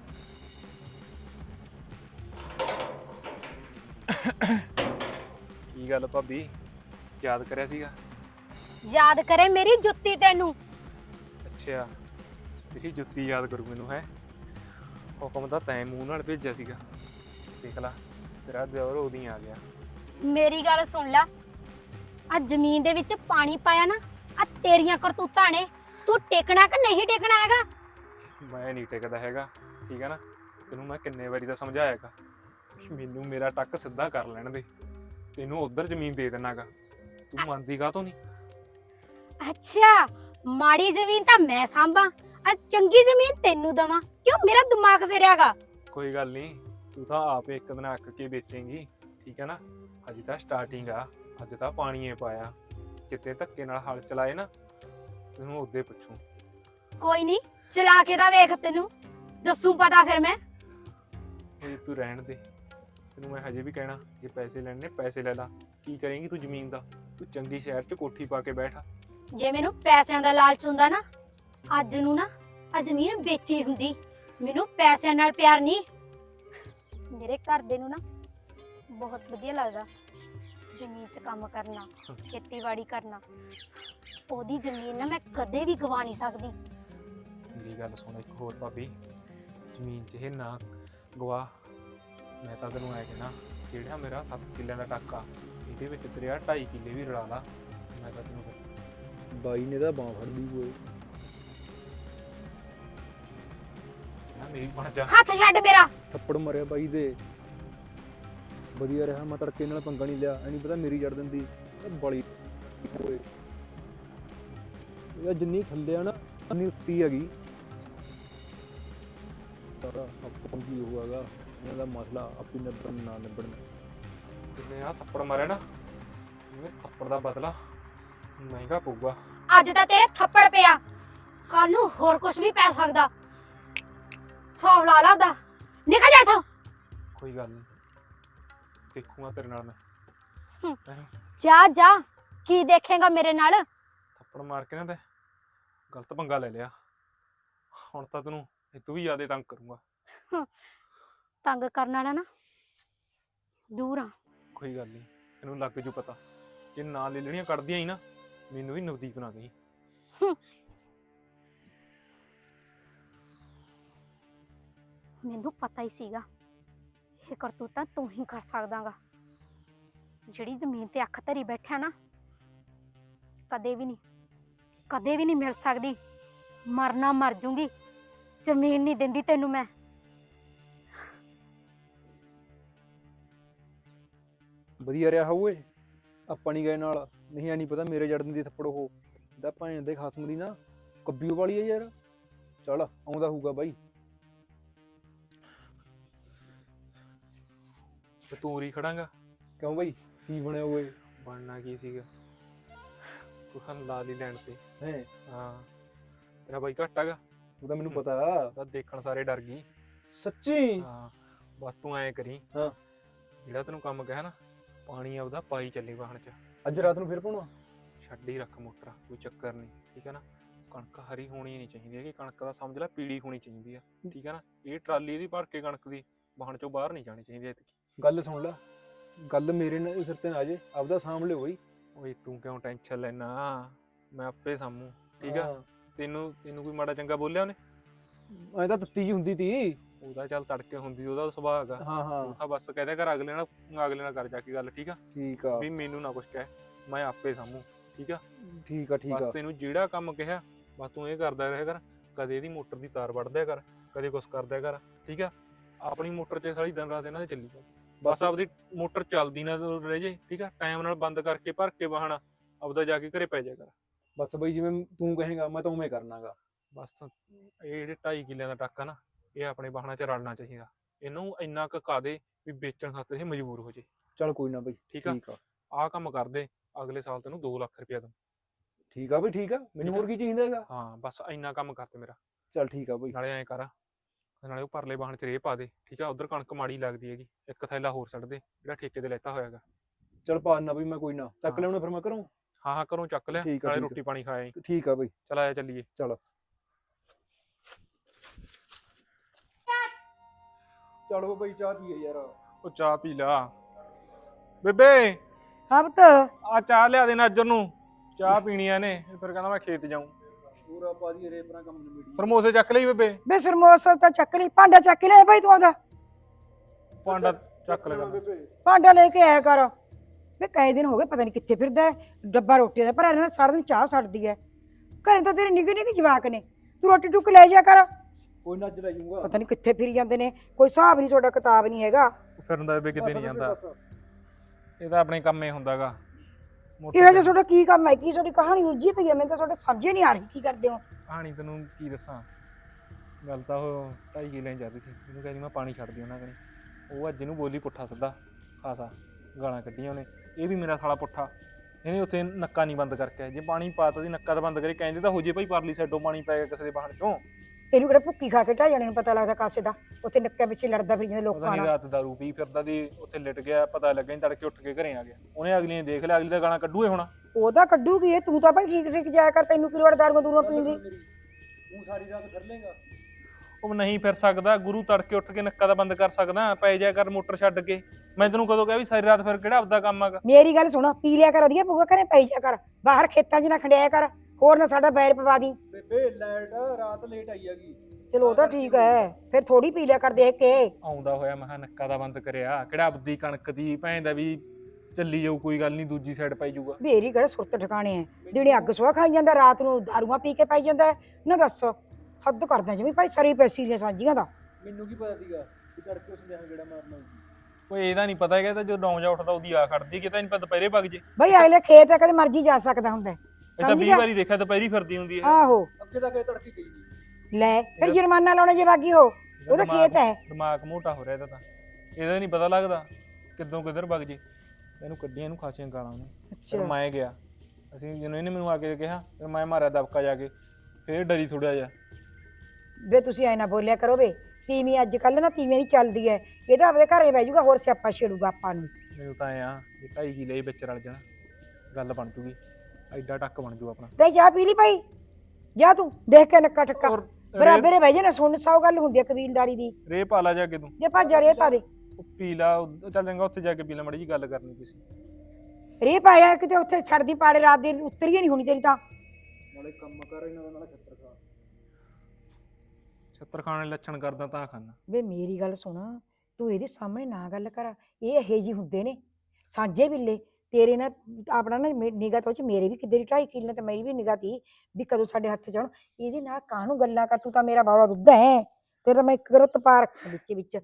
S4: ਕੀ ਗੱਲ ਭਾਬੀ, ਯਾਦ ਕਰਿਆ ਸੀਗਾ?
S1: ਯਾਦ ਕਰੇ ਮੇਰੀ ਜੁੱਤੀ ਤੈਨੂੰ।
S4: ਅੱਛਾ ਤੇਰੀ ਜੁੱਤੀ ਯਾਦ ਕਰੂ ਮੈਨੂੰ ਹੈ? ਹੁਕਮ ਤਾਂ ਤੈਂ ਮੂੰਹ ਨਾਲ ਭੇਜਿਆ ਸੀਗਾ। ਦੇਖ ਲਾ ਤੇਰਾ ਦਿਓਰ ਉਹਦੀ ਆ ਗਿਆ।
S1: ਮੇਰੀ ਗੱਲ ਸੁਣ ਲੈ, ਆ ਜ਼ਮੀਨ ਦੇ ਵਿੱਚ ਪਾਣੀ ਪਾਇਆ ਨਾ, ਆ ਤੇਰੀਆਂ ਕਰਤੂਤਾਂ ਨੇ। ਤੂੰ ਟਿਕਣਾ ਕਿ ਨਹੀਂ ਟਿਕਣਾ ਹੈਗਾ?
S4: ਮੈਂ ਨਹੀਂ ਟਿਕਦਾ ਹੈਗਾ, ਠੀਕ ਹੈ ਨਾ? ਤੈਨੂੰ ਮੈਂ ਕਿੰਨੇ ਵਾਰੀ ਤਾਂ ਸਮਝਾਇਆਗਾ, ਮੈਨੂੰ ਮੇਰਾ ਟੱਕ ਸਿੱਧਾ ਕਰ ਲੈਣ ਦੇ। ਤੈਨੂੰ ਉਧਰ ਜ਼ਮੀਨ ਦੇ ਦੇਣਾਗਾ, ਤੂੰ ਮੰਨਦੀ ਕਾਹਤੋਂ ਨਹੀਂ?
S1: ਅੱਛਾ, ਮਾੜੀ ਜ਼ਮੀਨ ਤਾਂ ਮੈਂ ਸਾਂਭਾਂ, ਆ ਚੰਗੀ ਜ਼ਮੀਨ ਤੈਨੂੰ ਦਵਾਂ? ਕਿਉਂ ਮੇਰਾ ਦਿਮਾਗ ਫੇਰਿਆਗਾ?
S4: ਕੋਈ ਗੱਲ ਨਹੀਂ, ਤੂੰ ਤਾਂ ਆਪੇ ਇੱਕ ਦਿਨ ਅੱਕ ਕੇ ਵੇਚੇਂਗੀ, ਠੀਕ ਹੈ ਨਾ? ਅਜੇ ਤਾਂ ਸਟਾਰਟਿੰਗ ਆ, ਅੱਜ ਤਾਂ ਪਾਣੀਏ ਪਾਇਆ। ਕਿਤੇ ਧੱਕੇ ਨਾਲ ਹਲ ਚਲਾਏ ਨਾ ਤੈਨੂੰ ਉਹਦੇ ਪੁੱਛੂ।
S1: ਕੋਈ ਨਹੀਂ, ਚਲਾ ਕੇ ਤਾਂ ਵੇਖ, ਤੈਨੂੰ ਦੱਸੂ ਪਤਾ ਫਿਰ ਮੈਂ।
S4: ਇਹ ਤੂੰ ਰਹਿਣ ਦੇ, ਤੈਨੂੰ ਮੈਂ ਹਜੇ ਵੀ ਕਹਿਣਾ ਜੇ ਪੈਸੇ ਲੈਣੇ ਨੇ ਪੈਸੇ ਲੈ ਲਾ। ਕੀ ਕਰੇਂਗੀ ਤੂੰ ਜ਼ਮੀਨ ਦਾ? ਤੂੰ ਚੰਗੀ ਸ਼ਹਿਰ 'ਚ ਕੋਠੀ ਪਾ ਕੇ ਬੈਠ।
S1: ਜੇ ਮੈਨੂੰ ਪੈਸਿਆਂ ਦਾ ਲਾਲਚ ਹੁੰਦਾ ਨਾ, ਅੱਜ ਨੂੰ ਨਾ ਆ ਜ਼ਮੀਨ ਵੇਚੀ ਹੁੰਦੀ। ਮੈਨੂੰ ਪੈਸਿਆਂ ਨਾਲ ਪਿਆਰ ਨਹੀਂ। ਮੇਰੇ ਘਰ ਦੇ ਨੂੰ ਨਾ ਬਹੁਤ ਵਧੀਆ ਲੱਗਦਾ ਜ਼ਮੀਨ 'ਚ ਕੰਮ ਕਰਨਾ, ਖੇਤੀਬਾੜੀ ਕਰਨਾ। ਉਹਦੀ ਜ਼ਮੀਨ ਨਾ ਮੈਂ ਕਦੇ ਵੀ ਗਵਾ ਨਹੀਂ ਸਕਦੀ।
S4: ਮੇਰੀ ਗੱਲ ਸੁਣ ਇੱਕ ਹੋਰ ਭਾਬੀ, ਜ਼ਮੀਨ 'ਚ ਇਹ ਨਾ ਗਵਾ। ਮੈਂ ਤਾਂ ਤੈਨੂੰ ਐ ਕਹਿਣਾ, ਜਿਹੜਾ ਮੇਰਾ ਸੱਤ ਕਿੱਲਿਆਂ ਦਾ ਟਾਕਾ, ਇਹਦੇ ਵਿੱਚ ਤੇਰੇ ਆ ਢਾਈ ਕਿੱਲੇ ਵੀ ਰਲਾ ਲਾ। ਮੈਂ ਤਾਂ ਤੈਨੂੰ
S2: ਬਾਈ ਨੇ ਤਾਂ ਬਾਂਹ ਫੜ ਲਈ ਓਏ।
S4: ਨਾ ਮੇਰੀ ਬਣ ਜਾ।
S1: ਹੱਥ ਛੱਡ ਮੇਰਾ।
S2: ਥੱਪੜ ਮਾਰਿਆ ਬਾਈ ਦੇ। ਵਧੀਆ ਰਿਹਾ, ਮੈਂ ਤੜਕੇ ਨਾਲ ਪੰਗਾ ਨਹੀਂ ਲਿਆ। ਐ ਨਹੀਂ ਪਤਾ ਮੇਰੀ ਜੜ ਦਿੰਦੀ ਬੜੀ ਓਏ। ਇਹ ਜਿੰਨੀ ਥੱਲੇ ਆ ਨਾ ਉਨੀ ਉੱਤੀ ਹੈਗੀ। ਸਾਰਾ ਆਪਾਂ ਕੀ ਹੋਊਗਾ ਇਹਨਾਂ ਦਾ ਮਸਲਾ ਆਪੀ ਨਿਬੜਨ ਨਾ ਨਿਬੜਨ।
S4: ਜਿੰਨੇ ਆ ਥੱਪੜ ਮਾਰਿਆ ਨਾ, ਇਹ ਥੱਪੜ ਦਾ ਬਦਲਾ ਮਹਿੰਗਾ ਪਊਗਾ।
S1: ਅੱਜ ਤਾਂ ਤੇਰੇ ਥੱਪੜ ਪਿਆ, ਕੱਲ ਨੂੰ ਹੋਰ ਕੁਝ ਵੀ ਪੈ ਸਕਦਾ। ਸੌ ਲਾ ਲਾ ਉਹਦਾ, ਨਿਕਲ ਜਾ ਇੱਥੋਂ।
S4: ਕੋਈ ਗੱਲ ਨਹੀਂ, ਦੇਖੂਗਾ ਤੇਰੇ ਨਾਲ ਮੈਂ।
S1: ਹੂੰ।
S4: ਹੈਂ?
S1: ਜਾ ਜਾ, ਕੀ ਦੇਖੇਗਾ ਮੇਰੇ ਨਾਲ?
S4: ਥੱਪੜ ਮਾਰ ਕੇ ਨਾ ਤੇ ਗਲਤ ਪੰਗਾ ਲੈ ਲਿਆ। ਹੁਣ ਤਾਂ ਤੈਨੂੰ ਇਹ ਤੂੰ ਵੀ ਜ਼ਿਆਦਾ ਤੰਗ ਕਰੂੰਗਾ।
S1: ਤੰਗ ਕਰਨ ਵਾਲਾ ਨਾ ਦੂਰ ਆ।
S4: ਕੋਈ ਗੱਲ ਨਹੀਂ, ਤੈਨੂੰ ਲੱਗ ਜੂ ਪਤਾ। ਜੇ ਨਾ ਲੈ ਲੈਣੀਆਂ ਕੱਢਦੀਆਂ ਹੀ ਨਾ, ਮੈਨੂੰ ਵੀ ਨਵਦੀਪ ਨਾ ਗਈ।
S1: ਮੈਨੂੰ ਪਤਾ ਹੀ ਸੀਗਾ ਇਹ ਕਰਤੂਤਾਂ ਤੂੰ ਹੀ ਕਰ ਸਕਦਾਗਾ। ਜਿਹੜੀ ਜ਼ਮੀਨ ਤੇ ਅੱਖ ਧਰੀ ਬੈਠਾ ਨਾ, ਕਦੇ ਵੀ ਨਹੀਂ ਕਦੇ ਵੀ ਨਹੀਂ ਮਿਲ ਸਕਦੀ। ਮਰਨਾ ਮਰ ਜੂੰਗੀ, ਜ਼ਮੀਨ ਨਹੀਂ ਦਿੰਦੀ ਤੈਨੂੰ ਮੈਂ।
S2: ਵਧੀਆ ਰਿਹਾ ਹੋਊਏ, ਆਪਾਂ ਨਹੀਂ ਗਏ ਨਾਲ। ਨਹੀਂ ਐ ਨਹੀਂ ਪਤਾ ਮੇਰੇ ਜੜ ਦਿੰਦੀ ਥੱਪੜ ਉਹ। ਦਾ ਭੈਣ ਦੇ ਖਸਮ ਦੀ ਨਾ ਕੱਬੀਓ ਵਾਲੀ ਹੈ ਯਾਰ। ਚੱਲ ਆਉਂਦਾ ਹੋਊਗਾ ਬਾਈ।
S4: ਤੇ ਤੂੰ ਉਰੀ ਖੜਾਂਗਾ।
S2: ਕਿਉਂ ਬਾਈ, ਕੀ ਬਣਿਆ ਓਏ?
S4: ਬਣਨਾ ਕੀ ਸੀਗਾ, ਤੂੰ ਹਨ ਲਾ ਲਈ ਲੈਣ ਤੇ।
S2: ਹੈ
S4: ਹਾਂ, ਤੇਰਾ ਬਾਈ ਘੱਟ ਹੈਗਾ।
S2: ਉਹ ਤਾਂ ਮੈਨੂੰ ਪਤਾ।
S4: ਤਾਂ ਦੇਖਣ ਸਾਰੇ ਡਰ ਗਈ।
S2: ਸੱਚੀ?
S4: ਹਾਂ, ਬਸ ਤੂੰ ਐਂ ਕਰੀ।
S2: ਹਾਂ।
S4: ਜਿਹੜਾ ਤੈਨੂੰ ਕੰਮ ਕਿਹਾ ਨਾ, ਪਾਣੀ ਆਪਦਾ ਪਾਈ ਚੱਲੀ ਵਾਹਣ 'ਚ।
S2: ਅੱਜ ਰਾਤ ਨੂੰ ਫਿਰ ਪਾਉਣਾ?
S4: ਛੱਡ ਹੀ ਰੱਖ ਮੋਟਰ, ਕੋਈ ਚੱਕਰ ਨਹੀਂ। ਠੀਕ ਹੈ ਨਾ, ਕਣਕ ਹਰੀ ਹੋਣੀ ਨਹੀਂ ਚਾਹੀਦੀ ਹੈਗੀ। ਕਣਕ ਦਾ ਸਮਝ ਲੈ ਪੀਲੀ ਹੋਣੀ ਚਾਹੀਦੀ ਆ। ਠੀਕ ਹੈ ਨਾ, ਇਹ ਟਰਾਲੀ ਦੀ ਭਰ ਕੇ ਕਣਕ ਦੀ ਵਾਹਣ 'ਚੋਂ ਬਾਹਰ ਨਹੀਂ ਜਾਣੀ ਚਾਹੀਦੀ ਐਤਕੀ।
S2: ਗੱਲ ਸੁਣ ਲੈ, ਗੱਲ ਮੇਰੇ ਨਾਲ ਸਿਰ ਤੇ ਨਾ ਆ ਜੇ, ਆਪਦਾ ਸਾਂਭ ਲਿਓ ਬਈ।
S4: ਓਏ ਤੂੰ ਕਿਉਂ ਟੈਨਸ਼ਨ ਲੈਣਾ, ਮੈਂ ਆਪੇ ਸਾਂਭੂ। ਠੀਕ ਆ,
S2: ਹਾਂ।
S4: ਤੈਨੂੰ ਤੈਨੂੰ ਕੋਈ ਮਾੜਾ ਚੰਗਾ ਬੋਲਿਆ ਉਹਨੇ?
S2: ਐ ਤਾਂ ਤੱਤੀ ਜੀ ਹੁੰਦੀ ਤੀ।
S4: ਉਹਦਾ ਚੱਲ ਤੜਕੇ ਹੁੰਦੀ, ਉਹਦਾ ਸੁਭਾਅ ਹੈਗਾ।
S2: ਹਾਂ ਹਾਂ
S4: ਉਹ ਤਾਂ ਬਸ ਕਹਦੇ ਕਰ ਅਗਲੇ ਨਾਲ ਅਗਲੇ ਨਾਲ ਕਰ ਜਾ ਕੇ ਗੱਲ। ਠੀਕ ਆ,
S2: ਠੀਕ ਆ
S4: ਵੀ ਮੈਨੂੰ ਨਾ ਕੁਛ ਕਹਿ, ਮੈਂ ਆਪੇ ਸਾਂਭੂ। ਠੀਕ ਆ,
S2: ਠੀਕ ਆ ਠੀਕ
S4: ਬਸ
S2: ਆ।
S4: ਤੈਨੂੰ ਜਿਹੜਾ ਕੰਮ ਕਿਹਾ ਬਸ ਤੂੰ ਇਹ ਕਰਦਾ ਰਿਹਾ ਕਰ। ਕਦੇ ਇਹਦੀ ਮੋਟਰ ਦੀ ਤਾਰ ਵੱਢ ਦਿਆ ਕਰ, ਕਦੇ ਕੁਛ ਕਰਦਿਆ ਕਰ। ਠੀਕ ਆ, ਆਪਣੀ ਮੋਟਰ 'ਚ ਸਾਰੀ ਦਿਨ ਰਾਤ ਇਹਨਾਂ ਦੇ ਚੱਲੀ ਜਾ। ਬਸ ਆਪਦੀ ਮੋਟਰ ਚੱਲਦੀ ਨਾ ਰਹਿ ਜੇ। ਠੀਕ ਆ, ਟਾਈਮ ਨਾਲ ਬੰਦ ਕਰਕੇ ਭਰ ਕੇ ਵਾਹਣਾ ਆਪਦਾ ਜਾ ਕੇ ਘਰੇ ਪੈ ਜਾ ਕਰ।
S2: ਬਸ ਬਈ ਜਿਵੇਂ ਤੂੰ ਕਹੇਗਾ ਮੈਂ ਤਾਂ ਉਵੇਂ ਕਰਨਾਗਾ।
S4: ਬਸ ਇਹ ਜਿਹੜੇ ਢਾਈ ਕਿੱਲਿਆਂ ਦਾ ਟੱਕ ਆ ਨਾ, ਇਹ ਆਪਣੇ ਵਾਹਣਾ 'ਚ ਰਲਣਾ ਚਾਹੀਦਾ। ਇਹਨੂੰ ਇੰਨਾ ਕੁ ਕਾ ਦੇ ਵੀ ਵੇਚਣ ਖਾਤਰ ਇਹ ਮਜਬੂਰ ਹੋ ਜੇ।
S2: ਚੱਲ ਕੋਈ ਨਾ ਬਈ।
S4: ਠੀਕ ਆ,
S2: ਠੀਕ ਆ
S4: ਆਹ ਕੰਮ ਕਰਦੇ, ਅਗਲੇ ਸਾਲ ਤੈਨੂੰ ਦੋ ਲੱਖ ਰੁਪਇਆ ਦੂੰ।
S2: ਠੀਕ ਆ ਬਈ ਠੀਕ ਆ, ਮੈਨੂੰ ਹੋਰ ਕੀ ਚਾਹੀਦਾ ਹੈਗਾ।
S4: ਹਾਂ ਬਸ ਇੰਨਾ ਕੰਮ ਕਰ ਤੇ ਮੇਰਾ।
S2: ਚੱਲ ਠੀਕ ਆ ਬਈ।
S4: ਨਾਲੇ ਐਂ ਕਰ, ਨਾਲੇ ਉਹ ਪਰਲੇ ਵਾਹਣ 'ਚ ਰੇਹ ਪਾ ਦੇ। ਠੀਕ ਆ, ਉਧਰ ਕਣਕ ਮਾੜੀ ਲੱਗਦੀ ਹੈਗੀ, ਇੱਕ ਥੈਲਾ ਹੋਰ ਛੱਡ ਦੇ ਜਿਹੜਾ ਠੇਕੇ ਤੇ ਲੈਤਾ ਹੋਇਆਗਾ।
S2: ਚੱਲ ਪਾ ਨਾ ਬਈ, ਮੈਂ ਕੋਈ ਨਾ ਚੱਕ
S4: ਹਾਂ।
S2: ਲਿਆਉਣਾ ਫਿਰ ਮੈਂ ਘਰੋਂ।
S4: ਹਾਂ ਹਾਂ, ਘਰੋਂ ਚੱਕ ਲਿਆ,
S2: ਠੀਕ ਆ,
S4: ਨਾਲੇ
S2: ਠੀਕ ਆ।
S4: ਰੋਟੀ ਪਾਣੀ ਖਾਇਆ।
S2: ਠੀਕ ਆ ਬਈ।
S4: ਚਲ ਆਇਆ ਚੱਲੀਏ।
S2: ਚਲ ਚਲੋ ਬਈ, ਚਾਹ ਪੀਏ ਯਾਰ।
S4: ਉਹ ਚਾਹ ਪੀ ਲਾ ਬੇਬੇ।
S3: ਹਾਂ ਪੁੱਤ।
S4: ਆ ਚਾਹ ਲਿਆ ਦੇ ਨਾਜਰ ਨੂੰ, ਚਾਹ ਪੀਣੀ ਆ ਨੇ। ਫਿਰ ਕਹਿੰਦਾ ਮੈਂ ਖੇਤ ਜਾਊਂ।
S2: ਪੂਰਾ ਪਾ ਦੀ ਰੇਪਰਾਂ ਕੰਮ ਨਿਬੜੀ।
S4: ਫਰਮੋਸੇ ਚੱਕ ਲਈ ਬੇਬੇ।
S3: ਬੇ ਸਰਮੋਸਾ ਤਾਂ ਚੱਕ ਲਈ, ਭਾਂਡਾ ਚੱਕ ਲੈ ਭਾਈ ਤੂੰ ਆਉਂਦਾ।
S4: ਭਾਂਡਾ ਚੱਕ ਲੈ
S3: ਭਾਂਡਾ ਲੈ ਕੇ ਆਇਆ ਕਰ। ਵੇ ਕਈ ਦਿਨ ਹੋ ਗਏ ਪਤਾ ਨਹੀਂ ਕਿੱਥੇ ਫਿਰਦਾ ਹੈ। ਡੱਬਾ ਰੋਟੀ ਦਾ ਭਰਿਆ ਰਹਿੰਦਾ, ਸਾਰਾ ਦਿਨ ਚਾਹ ਛੱਡਦੀ ਹੈ। ਘਰੇ ਤਾਂ ਤੇਰੇ ਨਿੱਕੇ ਨਿੱਕੇ ਜਵਾਕ ਨੇ, ਤੂੰ ਰੋਟੀ ਟੁੱਕ ਲੈ ਜਾ ਕਰ।
S2: ਕੋਈ ਨਾ ਅੱਜ ਲੈ ਜਾਊਂਗਾ।
S3: ਪਤਾ ਨਹੀਂ ਕਿੱਥੇ ਫਿਰ ਜਾਂਦੇ ਨੇ, ਕੋਈ ਹਿਸਾਬ ਨਹੀਂ, ਤੁਹਾਡਾ ਕਿਤਾਬ ਨਹੀਂ ਹੈਗਾ।
S4: ਫਿਰਨ ਦਾ ਬੇਬੇ ਕਿਤੇ ਨਹੀਂ ਜਾਂਦਾ, ਇਹ ਤਾਂ ਆਪਣੇ ਕੰਮ ਹੀ ਹੁੰਦਾਗਾ।
S3: ਇਹੋ ਜਿਹਾ ਤੁਹਾਡਾ ਕੀ ਕੰਮ ਹੈ? ਕੀ ਤੁਹਾਡੀ ਕਹਾਣੀ ਉਲਝੀ ਪਈ ਹੈ? ਮੈਨੂੰ ਤਾਂ ਤੁਹਾਡੇ ਸਮਝ ਹੀ ਨਹੀਂ ਆ ਰਹੀ ਕੀ ਕਰਦੇ ਹੋ।
S4: ਕਹਾਣੀ ਤੈਨੂੰ ਕੀ ਦੱਸਾਂ, ਗੱਲ ਤਾਂ ਉਹ ਢਾਈ ਕਿੱਲਿਆਂ ਜਾਂਦੀ ਸੀ। ਇਹਨੂੰ ਕਹਿੰਦੀ ਮੈਂ ਪਾਣੀ ਛੱਡਦੀ ਉਹਨਾਂ ਕਣੀ। ਉਹ ਅੱਜ ਨੂੰ ਬੋਲੀ ਪੁੱਠਾ ਸਿੱਧਾ ਖਾਸਾ। ਗਾਲਾਂ ਕੱਢੀਆਂ ਉਹਨੇ। ਇਹ ਵੀ ਮੇਰਾ ਸਾਲਾ ਪੁੱਠਾ, ਇਹਨੇ ਉੱਥੇ ਨੱਕਾ ਨਹੀਂ ਬੰਦ ਕਰਕੇ ਆਇਆ। ਜੇ ਪਾਣੀ ਪਾਤਾ ਦੀ ਨੱਕਾ ਤਾਂ ਬੰਦ ਕਰੇ, ਕਹਿੰਦੇ ਤਾਂ ਹੋ ਜੇ ਭਾਈ ਪਰਲੀ ਸਾਈਡੋਂ ਪਾਣੀ ਪੈ ਗਿਆ ਕਿਸੇ ਦੇ ਬਾਹਣ ਚੋਂ।
S3: ਇਹਨੂੰ ਕਿਹੜਾ ਭੁੱਕੀ ਖਾ ਕੇ ਢਾਈ ਜਾਣੇ ਨੂੰ ਪਤਾ ਲੱਗਦਾ ਕਾਸੇ ਦਾ, ਉੱਥੇ ਨੱਕੇ ਪਿੱਛੇ ਲੜਦਾ ਫਿਰ ਜਿਵੇਂ
S4: ਪਤਾ
S3: ਲੋਕਾਂ
S4: ਨਹੀਂ
S3: ਨਾਲ।
S4: ਰਾਤ ਦਾਰੂ ਪੀ ਫਿਰਦਾ ਦੀ ਉੱਥੇ ਲਿਟ ਗਿਆ, ਪਤਾ ਲੱਗਾ ਨਹੀਂ, ਤੜਕੇ ਉੱਠ ਕੇ ਘਰੇ ਆ ਗਿਆ। ਉਹਨੇ ਅਗਲੀ ਨੇ ਦੇਖ ਲਿਆ, ਅਗਲੀ ਦਾ ਗਾਲਾਂ ਕੱਢੂਏ ਹੁਣ।
S3: ਉਹਦਾ ਕੱਢੂਗੀ ਇਹ, ਤੂੰ ਤਾਂ ਭਾਈ ਠੀਕ ਠੀਕ ਜਾਇਆ ਕਰ, ਤੈਨੂੰ ਕੀ ਲੋੜ ਦਾਰੂ ਦੂਰੋਂ ਪੀਣ ਦੀ।
S2: ਤੂੰ ਸਾਰੀ ਰਾਤ ਫਿਰ ਲੇਗਾ।
S4: ਉਹ ਨਹੀਂ ਫਿਰ ਸਕਦਾ ਗੁਰੂ, ਤੜਕੇ ਉੱਠ ਕੇ ਨੱਕਾ ਤਾਂ ਬੰਦ ਕਰ ਸਕਦਾ, ਪੈ ਜਾਇਆ ਕਰ ਮੋਟਰ ਛੱਡ ਕੇ। ਮੈਂ ਤੈਨੂੰ ਕਦੋਂ ਕਿਹਾ ਵੀ ਸਾਰੀ ਰਾਤ ਫਿਰ ਕਿਹੜਾ ਆਪਦਾ ਕੰਮ ਹੈਗਾ।
S3: ਮੇਰੀ ਗੱਲ ਸੁਣ, ਪੀ ਲਿਆ ਕਰ ਵਧੀਆ ਪਊਗਾ, ਘਰੇ ਪਈ ਜਾ ਕਰ, ਬਾਹਰ ਖੇਤਾਂ 'ਚ ਨਾ ਖੰਡਿਆ ਕਰ, ਹੋਰ ਨਾ ਸਾਡਾ ਬੈਰ ਪਵਾ ਦੀ।
S2: ਬੇਬੇ ਲਾਈਟ ਰਾਤ ਲੇਟ ਆਈ ਹੈਗੀ।
S3: ਚਲੋ ਉਹ ਤਾਂ ਠੀਕ ਹੈ, ਫਿਰ ਥੋੜੀ ਪੀ ਲਿਆ ਕਰ ਦੇਖ ਕੇ।
S4: ਆਉਂਦਾ ਹੋਇਆ ਮੈਂ ਕਿਹਾ ਨੱਕਾ ਦਾ ਬੰਦ ਕਰਿਆ, ਕਿਹੜਾ ਆਪਦੀ ਕਣਕ ਦੀ ਭੈਣ ਦਾ ਵੀ ਚੱਲੀ ਜਾਊ, ਕੋਈ ਗੱਲ ਨਹੀਂ, ਦੂਜੀ ਸਾਈਡ ਪਈ ਜਾਊਗਾ।
S3: ਮੇਰੀ ਕਿਹੜਾ ਸੁਰਤ ਠਿਕਾਣੇ ਹੈ, ਦਿਨੇ ਅੱਗ ਸੁਆ ਖਾਈ ਜਾਂਦਾ, ਰਾਤ ਨੂੰ ਦਾਰੂਆਂ ਪੀ ਕੇ ਪਾਈ ਜਾਂਦਾ। ਨਾ ਦੱਸ, ਹੱਦ ਕਰਦਾ ਜਿਵੇਂ ਭਾਈ ਸਰੀ ਪੈਸੀ ਨੇ ਸਾਂਝੀਆਂ ਦਾ।
S2: ਮੈਨੂੰ ਕੀ ਪਤਾ ਸੀਗਾ ਕਿ ਤੜਕੇ ਉਸ ਨੇ ਜਿਹੜਾ ਮਾਰਨਾ ਹੋਊਗੀ।
S4: ਕੋਈ ਇਹਦਾ ਨਹੀਂ ਪਤਾ ਹੈਗਾ, ਤਾਂ ਜੋ ਨੌ ਜਾ ਉੱਠਦਾ ਉਹਦੀ ਆ ਖੜਦੀ, ਕਿਤਾ ਨਹੀਂ ਪਤਾ ਦੁਪਹਿਰੇ ਵਗ ਜੇ।
S3: ਬਈ ਅਗਲੇ ਖੇਤ ਹੈ, ਕਦੇ ਮਰਜੀ ਜਾ ਸਕਦਾ ਹੁੰਦਾ ਹੈ।
S4: ਇਹ ਤਾਂ
S3: ਸਮਝ
S4: ਵੀਹ
S3: ਗਿਆ?
S4: ਵਾਰੀ ਦੇਖਿਆ ਦੁਪਹਿਰੀ ਫਿਰਦੀ ਹੁੰਦੀ ਹੈ।
S3: ਆਹੋ
S2: ਅੱਗੇ ਤਾਂ ਕਦੇ ਤੜਕੀ ਗਈ ਨਹੀਂ।
S3: ਲੈ ਫਿਰ ਜੁਰਮਾਨਾ ਲਾਉਣਾ ਜੇ ਬਾਗੀ ਹੋ, ਉਹਦਾ ਖੇਤ ਹੈ।
S4: ਦਿਮਾਗ ਮੋਟਾ ਹੋ ਰਿਹਾ ਇਹਦਾ ਤਾਂ, ਇਹਦਾ ਨਹੀਂ ਪਤਾ ਲੱਗਦਾ ਕਿੱਦੋਂ ਕਿੱਧਰ ਵਗ ਜੇ। ਇਹਨੂੰ ਕੱਢੀਆਂ ਨੂੰ ਖਾਸੀਆਂ ਗਾਲਾਂ ਉਹਨੇ। ਫਿਰ ਮੈਂ ਗਿਆ, ਅਸੀਂ ਜਦੋਂ ਇਹਨੇ ਮੈਨੂੰ ਆ ਕੇ ਕਿਹਾ, ਫਿਰ ਮੈਂ ਮਾਰਿਆ ਦਬਕਾ ਜਾ ਕੇ, ਫਿਰ ਡਰੀ ਥੋੜਾ ਜਿਹਾ।
S3: ਵੇ ਤੁਸੀਂ ਐ ਨਾ ਬੋਲਿਆ ਕਰੋ ਵੇ, ਤੀਵੀਂ ਅੱਜ ਕੱਲ ਨਾ ਤੀਵੀਂ ਨਹੀਂ ਚੱਲਦੀ ਐ, ਇਹਦਾ ਆਪਣੇ ਘਰੇ ਬਹਿ ਜਾਊਗਾ, ਹੋਰ ਸਿਆਪਾ ਛੇੜੂਗਾ ਆਪਾਂ ਨੂੰ।
S4: ਮੈਨੂੰ ਤਾਂ ਐ ਆ ਵੀ ਢਾਈ ਕਿਲੇ ਵਿੱਚ ਰਲ ਜਾਣਾ, ਗੱਲ ਬਣ ਜੂਗੀ, ਐਡਾ ਟੱਕ ਬਣ ਜੂ ਆਪਣਾ।
S3: ਤੇ ਚਾਹ ਪੀ ਲਈ ਭਾਈ, ਜਾ ਤੂੰ ਦੇਖ ਕੇ ਨੱਕਾ ਠੱਕਾ
S4: ਹੋਰ
S3: ਬਰਾਬਰੇ ਬਹਿ ਜਾ ਨਾ, ਸੁਣ ਸੌ ਗੱਲ ਹੁੰਦੀ ਹੈ ਕਬੀਲਦਾਰੀ ਦੀ।
S4: ਰੇ ਪਾ ਲਾ ਜਾ ਕੇ ਤੂੰ,
S3: ਜੇ ਭੱਜ ਰੇ ਪਾ ਦੇ,
S4: ਉਹ ਪੀ ਲਾ, ਉਹ ਚੱਲ ਜਾਂਗਾ ਉੱਥੇ ਜਾ ਕੇ ਪੀ ਲਾ, ਮੜੀ ਜੀ ਗੱਲ ਕਰਨੀ ਕਿਸੇ।
S3: ਰੇ ਪਾਇਆ ਕਿਤੇ ਉੱਥੇ ਛੱਡਦੀ ਪਾੜੇ, ਰਾਤ ਦੀ ਉਤਰੀ ਨਹੀਂ ਹੋਣੀ ਤੇਰੀ ਤਾਂ।
S2: ਨਾਲੇ ਕੰਮ ਕਰ ਇਹਨਾਂ ਦਾ, ਨਾਲੇ ਛੱਤਰ ਖਾ।
S4: ਛੱਤਰ ਖਾਣੇ ਲੱਛਣ ਕਰਦਾ ਤਾਂ ਖਾਣਾ।
S3: ਵੇ ਮੇਰੀ ਗੱਲ ਸੁਣ, ਤੂੰ ਇਹਦੇ ਸਾਹਮਣੇ ਨਾ ਗੱਲ ਕਰ, ਇਹ ਇਹੋ ਜਿਹੇ ਹੁੰਦੇ ਨੇ ਸਾਂਝੇ ਬਿੱਲੇ। ਤੇਰੇ ਨਾਲ ਆਪਣਾ ਨਾ ਨਿਗਾਹ ਤੋਂ ਚ ਮੇਰੇ ਵੀ ਕਿੱਦੇ ਦੀ ਢਾਈ ਕਿੱਲੇ ਤੇ ਮੇਰੀ ਵੀ ਨਿਗਾਹ ਤੀ ਵੀ ਕਦੋਂ ਸਾਡੇ ਹੱਥ ਚ ਆਉਣ। ਇਹਦੇ ਨਾਲ ਕਾਹਨੂੰ ਗੱਲਾਂ ਕਰ, ਤੂੰ ਤਾਂ ਮੇਰਾ ਬਾਵਾ ਦੁੱਧ ਹੈ, ਤੇਰੇ ਤਾਂ ਮੈਂ ਇੱਕ ਗਰਤ ਪਾ ਰੱਖਿਆ ਵਿੱਚ ਵਿੱਚ।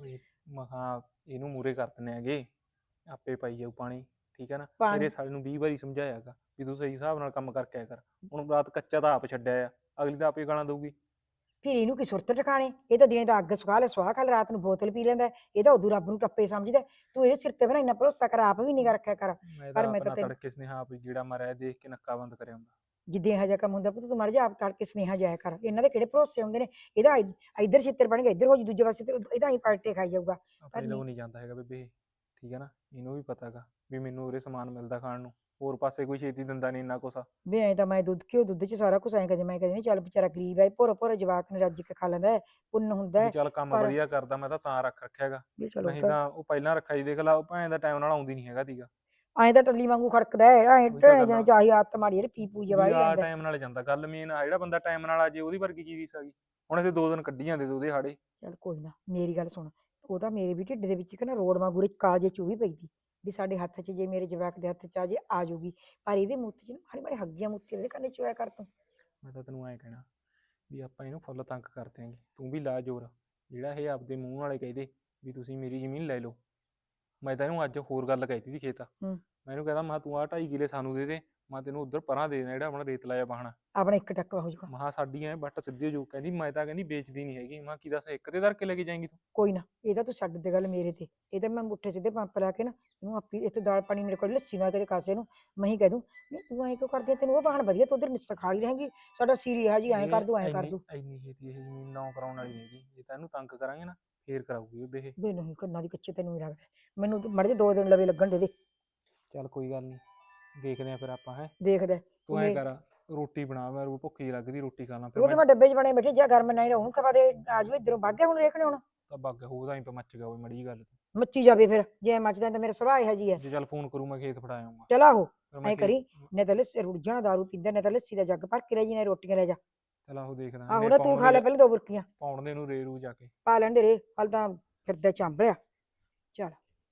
S4: ਮਹਾ ਇਹਨੂੰ ਮੂਰੇ ਕਰ ਦਿੰਦੇ ਹੈਗੇ, ਆਪੇ ਪਾਈ ਜਾਊ ਪਾਣੀ, ਠੀਕ ਹੈ ਨਾ।
S3: ਪਾਣੀ-
S4: ਮੇਰੇ ਸਾਲੇ ਨੂੰ ਵੀਹ ਵਾਰੀ ਸਮਝਾਇਆਗਾ ਵੀ ਤੂੰ ਸਹੀ ਹਿਸਾਬ ਨਾਲ ਕੰਮ ਕਰਕੇ ਆਇਆ ਕਰ। ਹੁਣ ਰਾਤ ਕੱਚਾ ਤਾਂ ਆਪ ਛੱਡਿਆ ਆ, ਅਗਲੀ ਤਾਂ ਆਪੇ ਗਾਲਾਂ ਦਊਗੀ।
S3: ਫਿਰ ਇਹਨੂੰ ਕੀ ਸੁਰਤ ਟਿਕਾਣੇ, ਇਹ ਤਾਂ ਦਿਨੇ ਦਾ ਅੱਗ ਸੁਖਾ ਲੈ ਸੁਆਹ ਖਾ ਲੈ, ਰਾਤ ਨੂੰ ਬੋਤਲ ਪੀ ਲੈਂਦਾ, ਇਹ ਤਾਂ ਉਦੋਂ ਰੱਬ ਨੂੰ ਟੱਪੇ ਸਮਝਦਾ। ਤੂੰ ਇਹਦੇ ਸਿਰ ਤੇ ਬਣਾ ਇੰਨਾ ਭਰੋਸਾ ਕਰ, ਆਪ ਵੀ ਨਿਗਾ ਰੱਖਿਆ ਕਰ।
S4: ਮੈਂ
S3: ਪਰ
S4: ਤਾਂ
S3: ਮੈਂ ਤਾਂ
S4: ਆਪਣਾ
S3: ਤੈਨੂੰ-
S4: ਤੜਕੇ ਸੁਨੇਹਾ ਵੀ ਜਿਹੜਾ ਮਾਰਿਆ ਦੇਖ ਕੇ ਨੱਕਾ ਬੰਦ ਕਰਿਆ ਹੁੰਦਾ।
S3: ਜਿੱਦੇ ਇਹੋ ਜਿਹਾ ਕੰਮ ਹੁੰਦਾ ਪੁੱਤ, ਤੂੰ ਮਰ ਜਾ ਆਪ ਤੜਕੇ ਸੁਨੇਹਾ ਜਾਇਆ ਕਰ। ਇਹਨਾਂ ਦੇ ਕਿਹੜੇ ਭਰੋਸੇ ਹੁੰਦੇ ਨੇ, ਇਹਦਾ ਇ- ਇੱਧਰ ਛਿੱਤਰ ਬਣ ਗਿਆ, ਇੱਧਰ ਹੋ ਜੀ, ਦੂਜੇ ਪਾਸੇ ਤੇ ਇਹਦਾ ਹੀ ਪਲਟੇ ਖਾਈ ਜਾਊਗਾ।
S4: ਆਪਣੇ ਲੋ ਨਹੀਂ ਜਾਂਦਾ ਹੈਗਾ ਬੇਬੇ, ਠੀਕ ਹੈ ਨਾ। ਇਹਨੂੰ ਵੀ ਪਤਾ ਗਾ ਵੀ ਮੈਨੂੰ ਉਰੇ ਸਮਾਨ ਮਿਲਦਾ ਖਾਣ ਨੂੰ, ਹੋਰ ਪਾਸੇ ਕੋਈ ਛੇਤੀ ਦਿੰਦਾ ਨਹੀਂ ਇੰਨਾ ਕੁਛ।
S3: ਵੀ ਐਂ ਤਾਂ ਮੈਂ ਦੁੱਧ ਘਿਓ ਦੁੱਧ ਚ ਸਾਰਾ ਕੁਛ ਐਂ ਕਦੇ ਮੈਂ ਕਦੇ ਨਹੀਂ, ਚੱਲ ਵਿਚਾਰਾ ਗਰੀਬ ਹੈ, ਭੋਰਾ ਭੋਰਾ ਜਵਾਕ ਨੇ ਰੱਜ ਕੇ ਖਾ ਲੈਂਦਾ ਹੈ, ਪੁੰਨ ਹੁੰਦਾ
S4: ਵੀ
S3: ਹੈ।
S4: ਚੱਲ ਕੰਮ
S3: ਪਰ-
S4: ਵਧੀਆ ਕਰਦਾ, ਮੈਂ ਤਾਂ ਤਾਂ ਰੱਖ ਰੱਖਿਆ ਹੈਗਾ,
S3: ਵੀ ਚਲੋ
S4: ਨਹੀਂ ਤਾਂ ਉਹ ਪਹਿਲਾਂ ਰੱਖਿਆ ਸੀ, ਦੇਖ ਲਾ ਉਹ ਭੈਣ ਦਾ ਟਾਈਮ ਨਾਲ ਆਉਂਦੀ ਨਹੀਂ ਹੈਗਾ ਤੀਗਾ।
S3: ਐਂ ਤਾਂ ਟੱਲੀ ਵਾਂਗੂ ਖੜਕਦਾ ਹੈ, ਐਂ
S4: ਉਹੀ ਤਾਂ
S3: ਢੇਣੇ
S4: ਗੱਲ
S3: ਜਣੇ
S4: ਆ।
S3: ਚਾਹੀ ਆਦਤ ਮਾੜੀ ਜਿਹੜੀ ਪੀ ਪੂ ਜਵਾਈ
S4: ਵੀ ਆ
S3: ਲੈਂਦਾ।
S4: ਟਾਈਮ ਨਾਲ ਜਾਂਦਾ, ਗੱਲ ਮੇਨ ਆ ਜਿਹੜਾ ਬੰਦਾ ਟਾਈਮ ਨਾਲ ਆ ਜੇ ਉਹਦੀ ਵਰਗੀ ਚੀਜ਼ ਆ ਗਈ। ਹੁਣ ਅਸੀਂ ਦੋ ਦਿਨ ਕੱਢੀ ਜਾਂਦੇ ਤੇ ਉਹਦੇ ਹਾੜੇ।
S3: ਚੱਲ ਕੋਈ ਨਾ, ਮੇਰੀ ਗੱਲ ਸੁਣ, ਉਹ ਤਾਂ ਮੇਰੇ ਵੀ ਢਿੱਡ ਦੇ ਵਿੱਚ ਇੱਕ ਨਾ ਰੋੜ ਵਾਂਗੂ ਕਾਜੇ ਚੂਹੀ ਪਈ ਦੀ ਵੀ ਸਾਡੇ ਹੱਥ 'ਚ ਜੇ ਮੇਰੇ ਜਵਾਕ ਦੇ ਹੱਥ 'ਚ ਆ ਜੇ ਆ ਜਾਊਗੀ, ਪਰ ਇਹਦੇ ਮੂੰਹ 'ਚ ਨਾ ਮਾੜੀ ਮਾੜੀ ਹੱਗੀਆਂ ਮੁੱਤੀਆਂ ਦੇ ਕੰਨੇ ਚੋਇਆ ਕਰ ਤੂੰ।
S4: ਮੈਂ ਤਾਂ ਤੈਨੂੰ ਐਂ ਕਹਿਣਾ ਵੀ ਆਪਾਂ ਇਹਨੂੰ ਫੁੱਲ ਤੰਗ ਕਰ ਦਿਆਂਗੇ, ਤੂੰ ਵੀ ਲਾ ਜ਼ੋਰ। ਜਿਹੜਾ ਇਹ ਆਪਦੇ ਮੂੰਹ ਨਾਲੇ ਕਹਿੰਦੇ ਵੀ ਤੁਸੀਂ ਮੇਰੀ ਜ਼ਮੀਨ ਲੈ ਲਓ, ਮੈਂ ਤਾਂ ਇਹਨੂੰ ਅੱਜ ਹੋਰ ਗੱਲ ਕਹਿਤੀ ਸੀ ਖੇਤ।
S3: ਹੂੰ।
S4: ਮੈਂ ਇਹਨੂੰ ਕਹਿੰਦਾ ਮੈਂ ਤੂੰ ਆਹ ਢਾਈ ਕਿਲੇ ਸਾਨੂੰ ਦੇ ਦੇ, ਮੈਂ ਤੈਨੂੰ ਉੱਧਰ ਪਰਾਂ ਦੇ ਦੇਣਾ ਜਿਹੜਾ ਆਪਣਾ ਰੇਤ ਲਾਇਆ ਬਾਹਣਾ।
S3: ਆਪਣਾ ਇੱਕ ਟੱਕਾ ਹੋ ਜਾਊਗਾ।
S4: ਮਹਾ ਸਾਡੀ ਐ ਬੱਟ ਸਿੱਧੀ ਹੋ ਜਾਊ। ਕਹਿੰਦੀ ਮੈਂ ਤਾਂ ਕਹਿੰਦੀ ਵੇਚਦੀ ਨਹੀਂ ਹੈਗੀ। ਮੈਂ ਕੀ ਦੱਸ ਇੱਕ ਤੇ ਧਰ ਕੇ ਲੈ ਕੇ ਜਾਏਂਗੀ ਤੂੰ?
S3: ਕੋਈ ਨਾ, ਇਹਦਾ ਤੂੰ ਛੱਡ ਦੇ ਗੱਲ ਮੇਰੇ ਤੇ, ਇਹਦਾ ਮੈਂ ਮੁੱਠੇ ਸਿੱਧੇ ਪੰਪ ਲਾ ਕੇ ਨਾ ਇਹਨੂੰ ਆਪੀ ਇੱਥੇ ਦਾਲ ਪਾਣੀ ਮੇਰੇ ਕੋਲ ਲੱਸੀ ਮੈਂ ਕਦੇ ਕਾਸੇ ਨੂੰ ਮੈਂ ਹੀ ਕਹਿ ਦੂੰ ਨਹੀਂ ਤੂੰ ਐਂ ਕਿਉਂ ਕਰਦੀ ਆ, ਤੈਨੂੰ ਉਹ ਬਾਹਣ ਵਧੀਆ, ਤੂੰ ਉਧਰ ਨਿੱਸਾ ਖਾ ਲਈ ਰਹੇਂਗੀ, ਸਾਡਾ ਸੀਰੀ ਇਹੋ ਜੀ ਐਂ ਕਰ ਦੂੰ ਐਂ ਕਰ ਦੂੰ।
S4: ਇੰਨੀ ਛੇਤੀ ਇਹ ਜ਼ਮੀਨ ਨਾ ਕਰਾਉਣ ਵਾਲੀ ਨਹੀਂ ਹੈਗੀ, ਜੇ ਤਾਂ ਇਹਨੂੰ ਤੰਗ ਕਰਾਂਗੇ ਨਾ ਫੇਰ ਕਰਾਊਗੀ ਉਹ ਇਹ।
S3: ਵੇ ਨਹੀਂ ਕੰਨਾਂ ਦੀ ਕੱਚੇ ਤੈਨੂੰ ਵੀ ਲੱਗਦਾ, ਮੈਨੂੰ ਮੜ ਜੇ ਦੋ ਦਿਨ ਲਵੇ ਲੱਗਣ ਦੇ ਦੇ।
S4: ਚੱਲ ਕੋਈ ਗੱਲ ਨਹੀਂ, ਦੇਖਦੇ ਆ ਫਿਰ ਆਪਾਂ। ਹੈ
S3: ਦੇਖਦਾ
S4: ਤੂੰ ਐਂ ਕਰ, ਰੋਟੀ ਬਣਾ, ਮੈਂ ਭੁੱਖੀ ਜਿਹੀ ਲੱਗਦੀ, ਰੋਟੀ ਖਾ ਲਾਂ ਫਿਰ।
S3: ਰੋਟੀ ਮੈਂ ਡੱਬੇ 'ਚ ਬਣੇ ਬੈਠੇ, ਜਾਂ ਗਰਮ ਨਹੀਂ ਉਹਨੂੰ ਖਵਾ ਦੇ, ਆ ਜਾਓ ਇੱਧਰੋਂ ਵਗ ਗਿਆ ਹੁਣ ਰੇਖਣੇ ਹੁਣ
S4: ਤਾਂ ਬੱਗ ਹੋਦਾ ਹੀ ਮੱਚ ਗਿਆ ਹੋਵੇ ਮੜੀ ਗੱਲ।
S3: ਮੱਚੀ ਜਾਵੇ ਫਿਰ, ਜੇ ਮੱਚਦਾ ਤਾਂ ਮੇਰਾ ਸੁਭਾਅ ਇਹੋ ਜੀ ਹੈ।
S4: ਜੇ ਚੱਲ ਫੋਨ ਕਰੂ ਮੈਂ ਖੇਤ ਫੜਾ ਆਊਂਗਾ।
S3: ਚਲ ਆਹੋ
S4: ਫਿਰ ਮੈਂ
S3: ਐਂ
S4: ਖੇਤ-
S3: ਕਰੀ, ਨੇ ਤਾਂ ਲੱਸੀ ਰੁੜ ਜਾਣਾ, ਦਾਰੂ ਪੀਂਦਾ, ਨੇ ਤਾਂ ਲੱਸੀ ਦਾ ਜੱਗ ਭਰ ਕੇ ਲੈ ਜੀ, ਨੇ ਰੋਟੀਆਂ ਲੈ ਜਾ।
S4: ਚੱਲ ਆਹੋ ਦੇਖਦਾ।
S3: ਆਹੋ
S4: ਇਹਨੇ
S3: ਨਾ ਤੂੰ
S4: ਪਾਉਣ
S3: ਖਾ ਲੈ
S4: ਦੇ-
S3: ਪਹਿਲਾਂ ਦੋ ਬੁਰਕੀਆਂ,
S4: ਪਾਉਣ ਦੇ ਨੂੰ ਰੇ ਰੂ ਜਾ ਕੇ।
S3: ਪਾ ਲੈਂਦੇ ਰੇ, ਹਲ ਤਾਂ ਫਿਰਦਾ ਚਾਂਬਲਿਆ। ਚੱਲ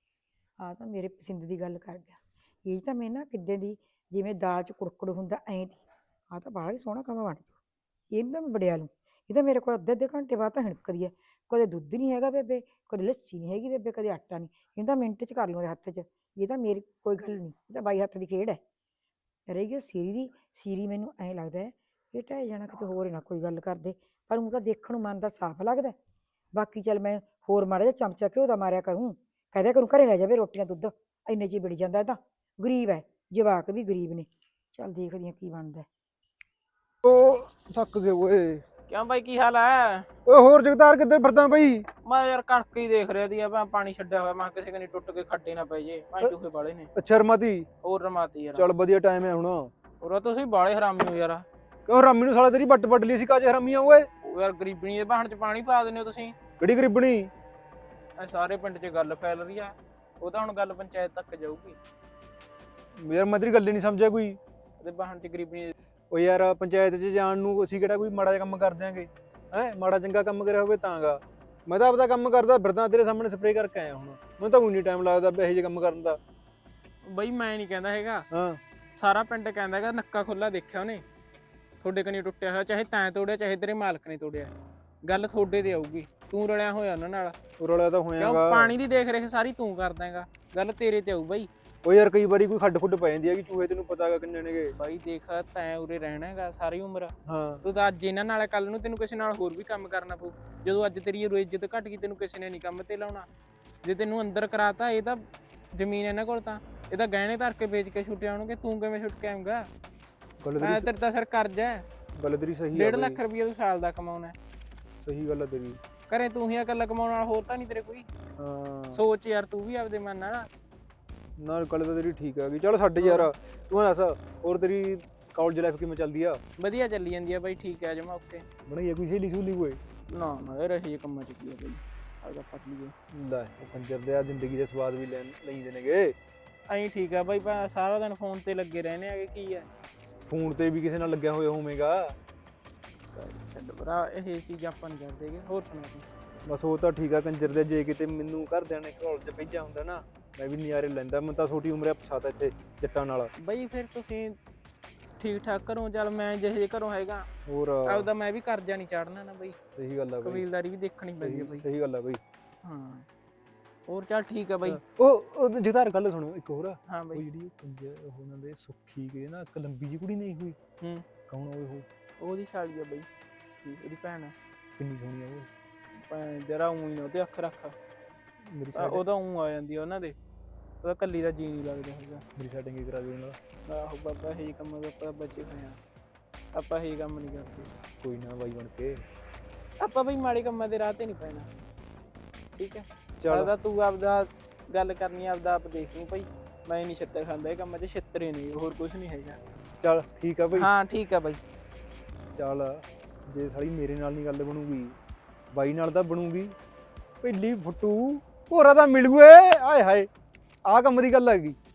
S3: ਆ ਤਾਂ ਮੇਰੇ ਪਸੰਦ ਦੀ ਗੱਲ ਕਰ ਗਿਆ, ਇਹ ਤਾਂ ਮੈਂ ਨਾ ਕਿੱਦਾਂ ਦੀ ਜਿਵੇਂ ਦਾਲ 'ਚ ਕੁੜਕੜ ਹੁੰਦਾ ਐਂ ਦੀ, ਆ ਤਾਂ ਬੜਾ ਹੀ ਸੋਹਣਾ ਕੰਮ ਬਣ ਜੂ। ਇਹਨੂੰ ਤਾਂ ਮੈਂ ਵੜਿਆ ਲੂੰ, ਇਹ ਤਾਂ ਮੇਰੇ ਕੋਲ ਅੱਧੇ ਅੱਧੇ ਘੰਟੇ ਬਾਅਦ ਤਾਂ ਹਿਣਕਦੀ ਹੈ, ਕਦੇ ਦੁੱਧ ਨਹੀਂ ਹੈਗਾ ਬੇਬੇ, ਕਦੇ ਲੱਸੀ ਨਹੀਂ ਹੈਗੀ ਬੇਬੇ, ਕਦੇ ਆਟਾ ਨਹੀਂ, ਇਹਨੂੰ ਤਾਂ ਮਿੰਟ 'ਚ ਕਰ ਲੂੰ ਉਹਦੇ ਹੱਥ 'ਚ। ਇਹ ਤਾਂ ਮੇਰੀ ਕੋਈ ਗੱਲ ਨਹੀਂ, ਇਹ ਤਾਂ ਬਾਈ ਹੱਥ ਦੀ ਖੇਡ ਹੈ। ਰਹੀ ਗਈ ਸੀਰੀ ਦੀ, ਸੀਰੀ ਮੈਨੂੰ ਐਂ ਲੱਗਦਾ ਹੈ ਇਹ ਢਹਿ ਜਾਣਾ ਕਿਤੇ ਹੋਰ ਨਾ ਕੋਈ ਗੱਲ ਕਰਦੇ, ਪਰ ਉਹ ਤਾਂ ਦੇਖਣ ਨੂੰ ਮਨ ਦਾ ਸਾਫ਼ ਲੱਗਦਾ। ਬਾਕੀ ਚੱਲ ਮੈਂ ਹੋਰ ਮਾੜਾ ਜਿਹਾ ਚਮਚਾ ਘਿਓ ਦਾ ਮਾਰਿਆ ਕਰੂੰ, ਕਹਦੇ ਕਰੂੰ ਘਰੇ ਲੈ ਜਾਵੇ ਰੋਟੀਆਂ ਦੁੱਧ ਇੰਨੇ ਚ ਹੀ ਵਿੜ ਜਾਂਦਾ ਇਹ ਤਾਂ ਗਰੀਬ ਹੈ ਜਵਾਕ ਵੀ ਗਰੀਬ ਨੇ ਚੱਲ ਦੇਖਦੀ ਆ ਕੀ ਬਣਦਾ
S2: ਉਹ ਥੱਕ ਗਏ ਓਏ।
S5: ਕਿਉਂ ਬਾਈ ਕੀ ਹਾਲ ਹੈ?
S2: ਓਏ ਹੋਰ ਜਗਤਾਰ ਕਿੱਧਰ ਫਿਰਦਾ ਬਈ?
S5: ਮੈਂ ਯਾਰ ਕਣਕ ਹੀ ਦੇਖ ਰਿਹਾ ਸੀ ਆ ਪਾਣੀ ਛੱਡਿਆ ਹੋਇਆ ਮੈਂ ਕਿਹਾ ਕਿਸੇ ਕਨੀ ਟੁੱਟ ਕੇ ਖੱਡੇ ਨਾ ਪੈ ਜੇ ਭਾਂ ਚੂਹੇ ਬਾਲੇ ਨੇ
S2: ਅੱਛਾ ਰਮਾਤੀ
S5: ਹੋਰ ਰਮਾਤੀ ਯਾਰ
S2: ਚੱਲ ਵਧੀਆ ਟਾਈਮ ਹੈ ਹੁਣ।
S5: ਹੋਰ ਤੁਸੀਂ ਬਾਲੇ ਹਰਾਮੀ ਹੋ ਯਾਰ
S2: ਕਿਉਂ ਹਰਾਮੀ ਨੂੰ ਸਾਲਾ ਤੇਰੀ ਵੱਟ ਵੱਢ ਲਈ ਸੀ ਕਾਜੇ ਹਰਾਮੀਆਂ ਓਏ?
S5: ਉਹ ਯਾਰ ਗਰੀਬਣੀ ਦੇ ਬਹਾਨ ਚ ਪਾਣੀ ਪਾ ਦਿੰਦੇ ਹੋ ਤੁਸੀਂ।
S2: ਕਿਹੜੀ ਗਰੀਬਣੀ?
S5: ਇਹ ਸਾਰੇ ਪਿੰਡ 'ਚ ਗੱਲ ਫੈਲ ਰਹੀ ਆ ਉਹ ਤਾਂ ਹੁਣ ਗੱਲ ਪੰਚਾਇਤ ਤੱਕ ਜਾਊਗੀ।
S2: ਯਾਰ ਮੈਂ ਤੇਰੀ ਗੱਲ ਹੀ ਨਹੀਂ ਸਮਝਿਆ ਕੋਈ।
S5: ਉਹਦੇ ਬਹਾਨ ਚ ਗਰੀਬਣੀ
S2: ਓ ਯਾਰ ਪੰਚਾਇਤ 'ਚ ਜਾਣ ਨੂੰ ਅਸੀਂ ਕਿਹੜਾ ਕੋਈ ਮਾੜਾ ਜਿਹਾ ਕੰਮ ਕਰ ਦਿਆਂਗੇ ਹੈ? ਮਾੜਾ ਚੰਗਾ ਕੰਮ ਕਰਿਆ ਹੋਵੇ ਤਾਂਗਾ। ਮੈਂ ਤਾਂ ਆਪਦਾ ਕੰਮ ਕਰਦਾ ਫਿਰਦਾ ਤੇਰੇ ਸਾਹਮਣੇ ਸਪਰੇਅ ਕਰਕੇ ਆਇਆ ਹੁਣ। ਮੈਨੂੰ ਤਾਂ ਉਨੀ ਟਾਈਮ ਲੱਗਦਾ ਇਹੋ ਜਿਹੇ ਕੰਮ ਕਰਨ ਦਾ।
S5: ਬਈ ਮੈਂ ਨਹੀਂ ਕਹਿੰਦਾ ਹੈਗਾ
S2: ਹਾਂ
S5: ਸਾਰਾ ਪਿੰਡ ਕਹਿੰਦਾ ਹੈਗਾ ਨੱਕਾ ਖੁੱਲਾ ਦੇਖਿਆ ਉਹਨੇ ਤੁਹਾਡੇ ਕਨੀ ਟੁੱਟਿਆ ਹੋਇਆ ਚਾਹੇ ਤੈਂ ਤੋੜਿਆ ਚਾਹੇ ਤੇਰੇ ਮਾਲਕ ਨੇ ਤੋੜਿਆ ਗੱਲ ਤੁਹਾਡੇ ਤੇ ਆਊਗੀ ਤੂੰ ਰਲਿਆ ਹੋਇਆ ਉਹਨਾਂ ਨਾਲ
S2: ਉਹ ਰੌਲਾ ਤਾਂ
S5: ਕਿਉਂ
S2: ਹੋਇਆਗਾ।
S5: ਪਾਣੀ ਦੀ ਦੇਖ ਰੇਖ ਸਾਰੀ ਤੂੰ ਕਰਦਾ ਹੈਗਾ ਗੱਲ ਤੇਰੇ ਤੇ ਆਊ ਬਈ।
S2: ਓ ਯਾਰ ਕਈ ਵਾਰੀ ਕੋਈ ਖੱਡ ਖੁੱਡ ਪੈ ਜਾਂਦੀ ਹੈ ਕਿ ਚੂਹੇ ਤੈਨੂੰ ਪਤਾ ਹੈਗਾ ਕਿੰਨੇ ਨੇਗੇ।
S5: ਬਾਈ ਦੇਖ ਤੈਂ ਉਰੇ ਰਹਿਣਾ ਹੈਗਾ ਸਾਰੀ ਉਮਰ
S2: ਹਾਂ
S5: ਤੂੰ ਤਾਂ ਅੱਜ ਇਹਨਾਂ ਨਾਲ ਕੱਲ ਨੂੰ ਤੈਨੂੰ ਕਿਸੇ ਨਾਲ ਹੋਰ ਵੀ ਕੰਮ ਕਰਨਾ ਪਊ ਜਦੋਂ ਅੱਜ ਤੇਰੀ ਉਰੇ ਇੱਜ਼ਤ ਘਟ ਗਈ ਤੈਨੂੰ ਕਿਸੇ ਨੇ ਨਹੀਂ ਕੰਮ ਤੇ ਲਾਉਣਾ ਜੇ ਤੈਨੂੰ ਅੰਦਰ ਕਰਾਤਾ ਇਹ ਤਾਂ ਜ਼ਮੀਨ ਇਹਨਾਂ ਕੋਲ ਤਾਂ ਇਹ ਤਾਂ ਗਹਿਣੇ ਧਰ ਕੇ ਵੇਚ ਕੇ ਛੁੱਟੇ ਆਉਣਗੇ ਤੂੰ ਕਿਵੇਂ ਛੁੱਟ ਕੇ ਆਉਂਗਾ?
S2: ਗੱਲ
S5: ਮੈਂ
S2: ਤੇਰੀ
S5: ਤੇਰੇ ਤਾਂ ਸਰ ਕਰਜ਼ਾ ਹੈ
S2: ਗੱਲ ਤੇਰੀ ਸਹੀ
S5: ਡੇਢ
S2: ਹੈ
S5: ਲੱਖ ਰੁਪਈਆ ਤੂੰ ਸਾਲ ਦਾ ਕਮਾਉਣਾ ਹੈ।
S2: ਸਹੀ ਗੱਲ ਹੈ ਤੇਰੀ।
S5: ਘਰੇ ਤੂੰ ਹੀ ਇਕੱਲਾ ਕਮਾਉਣ ਵਾਲਾ ਹੋਰ ਤਾਂ ਨਹੀਂ ਤੇਰੇ ਕੋਈ।
S2: ਹਾਂ
S5: ਸੋਚ ਯਾਰ ਤੂੰ ਵੀ ਆਪਦੇ ਮਨ ਨਾਲ
S2: ਨਾਲ ਗੱਲ ਤਾਂ ਤੇਰੀ ਠੀਕ ਹੈਗੀ। ਚੱਲ ਛੱਡ ਯਾਰ ਤੂੰ ਦੱਸ ਹੋਰ ਤੇਰੀ ਕਾਲਜ ਲਾਈਫ ਕਿਵੇਂ ਚੱਲਦੀ ਆ?
S5: ਵਧੀਆ ਚੱਲੀ ਜਾਂਦੀ ਆ ਬਾਈ ਠੀਕ ਹੈ ਜਮਾ ਓਕੇ।
S2: ਬਣਾਈ ਕੋਈ ਸਹੇਲੀ ਸਹੂਲੀ ਕੋਈ?
S5: ਨਾ ਨਾ ਇਹ ਰਹੇ ਕੰਮਾਂ ਚ ਕੀ ਆ ਬਾਈ ਆਪਦਾ ਪੱਟ ਲਈਏ
S2: ਲੈ ਉਹ ਕੰਜਰ ਦੇ ਆ ਜ਼ਿੰਦਗੀ ਦੇ ਸਵਾਦ ਵੀ ਲੈਣ ਲੈਂਦੇ ਨੇਗੇ।
S5: ਐਂ ਠੀਕ ਆ ਬਾਈ ਭਾ ਸਾਰਾ ਦਿਨ ਫੋਨ ਤੇ ਲੱਗੇ ਰਹਿੰਦੇ ਆਗੇ ਕੀ ਆ
S2: ਫੋਨ ਤੇ ਵੀ ਕਿਸੇ ਨਾਲ ਲੱਗਿਆ ਹੋਇਆ ਹੋਵੇਗਾ।
S5: ਛੱਡ ਭਰਾ ਇਹ ਚੀਜ਼ਾਂ ਆਪਾਂ ਨਹੀਂ ਕਰਦੇਗੇ ਹੋਰ ਸੁਣਾ ਤੂੰ।
S2: ਬਸ ਉਹ ਤਾਂ ਠੀਕ ਆ ਕੰਜਰ ਦੇ। ਜੇ ਕਿਤੇ ਮੈਨੂੰ ਘਰਦਿਆਂ ਨੇ ਕਾਲਜ ਭੇਜਿਆ ਹੁੰਦਾ ਨਾ ਮੈਂ ਵੀ ਨਜ਼ਾਰੇ ਲੈਂਦਾ। ਮੈਂ ਤਾਂ ਛੋਟੀ ਉਮਰੇ ਫਸਾਤਾ ਇੱਥੇ ਜੱਟਾਂ ਨਾਲ।
S5: ਬਈ ਫਿਰ ਤੁਸੀਂ ਠੀਕ ਠਾਕ ਘਰੋਂ ਚੱਲ ਮੈਂ ਜਿਹੇ ਜਿਹੇ ਘਰੋਂ ਹੈਗਾ
S2: ਹੋਰ
S5: ਆਪਦਾ ਮੈਂ ਵੀ ਕਰਜ਼ਾ ਨਹੀਂ ਚਾੜਨਾ ਨਾ ਬਈ
S2: ਸਹੀ ਗੱਲ ਆ ਬਈ।
S5: ਕਬੀਲਦਾਰੀ ਵੀ ਦੇਖਣੀ ਪੈਂਦੀ ਹੈ ਬਈ।
S2: ਸਹੀ ਗੱਲ ਆ ਬਈ।
S5: ਹਾਂ ਹੋਰ ਚੱਲ ਠੀਕ ਆ ਬਈ।
S2: ਉਹ ਉਹ ਜਗਤਾਰ ਗੱਲ ਸੁਣੋ ਇੱਕ ਹੋਰ।
S5: ਹਾਂ
S2: ਉਹ
S5: ਬਈ
S2: ਜਿਹੜੀ ਕੰਜਰ ਉਹਨਾਂ ਦੇ ਸੁੱਖੀ ਕੇ ਨਾ ਇੱਕ ਲੰਬੀ ਜਿਹੀ ਕੁੜੀ ਨਹੀਂ ਹੋਈ
S5: ਹੂੰ
S2: ਕੌਣ ਹੋਏ ਉਹ?
S5: ਉਹਦੀ ਸਾਲੀ ਆ ਬਈ ਉਹਦੀ ਭੈਣ ਆ
S2: ਕਿੰਨੀ ਸੋਹਣੀ ਆ ਉਹ।
S5: ਭੈਣ ਜਰਾ ਊਂ ਹੀ ਨਾ ਉਹਦੇ ਅੱਖ ਰੱਖ
S2: ਮੇਰੀ
S5: ਆ,
S2: ਸੈਟ
S5: ਉਹਦਾ ਊਂ ਆ ਜਾਂਦੀ ਆ ਉਹਨਾਂ ਦੇ ਉਹਦਾ ਕੱਲੀ ਦਾ ਜੀ ਨਹੀਂ ਲੱਗਦਾ ਹੈਗਾ।
S2: ਮੇਰੀ ਸੈਟਿੰਗ ਕਰਾ ਦਿਓ ਨਾਲ।
S5: ਆਹੋ ਬਾਬਾ ਇਹੀ ਕੰਮ ਦਾ ਆਪਾਂ ਬਚੇ ਹੋਏ ਆ ਆਪਾਂ ਇਹੀ ਕੰਮ ਨਹੀਂ ਕਰਦੇ
S2: ਕੋਈ ਨਾ ਬਾਈ ਬਣ ਕੇ।
S5: ਆਪਾਂ ਬਈ ਮਾੜੇ ਕੰਮਾਂ ਦੇ ਰਾਹ ਤੇ ਨਹੀਂ ਪੈਣਾ ਠੀਕ ਹੈ।
S2: ਚੱਲ
S5: ਆਪਦਾ ਤੂੰ ਆਪਦਾ ਗੱਲ ਕਰਨੀ ਆਪਦਾ ਆਪ ਦੇਖ ਲਈ ਭਾਈ ਮੈਂ ਨਹੀਂ ਛਿੱਤਰ ਖਾਂਦਾ ਇਹ ਕੰਮਾਂ 'ਚ ਛਿੱਤਰੇ ਨਹੀਂ ਹੋਰ ਕੁਝ ਨਹੀਂ ਹੈਗਾ।
S2: ਚੱਲ ਠੀਕ ਆ ਬਈ।
S5: ਹਾਂ ਠੀਕ ਆ ਬਾਈ।
S2: ਚੱਲ ਜੇ ਸਾਲੀ ਮੇਰੇ ਨਾਲ ਨਹੀਂ ਗੱਲ ਬਣੂਗੀ ਬਾਈ ਨਾਲ ਤਾਂ ਬਣੂਗੀ। ਪਹਿਲੀ ਫੁੱਟੂ ਭੋਰਾ ਤਾਂ ਮਿਲੂਏ ਆਏ ਹਾਏ ਆਹ ਕੰਮ ਦੀ ਗੱਲ ਹੈਗੀ।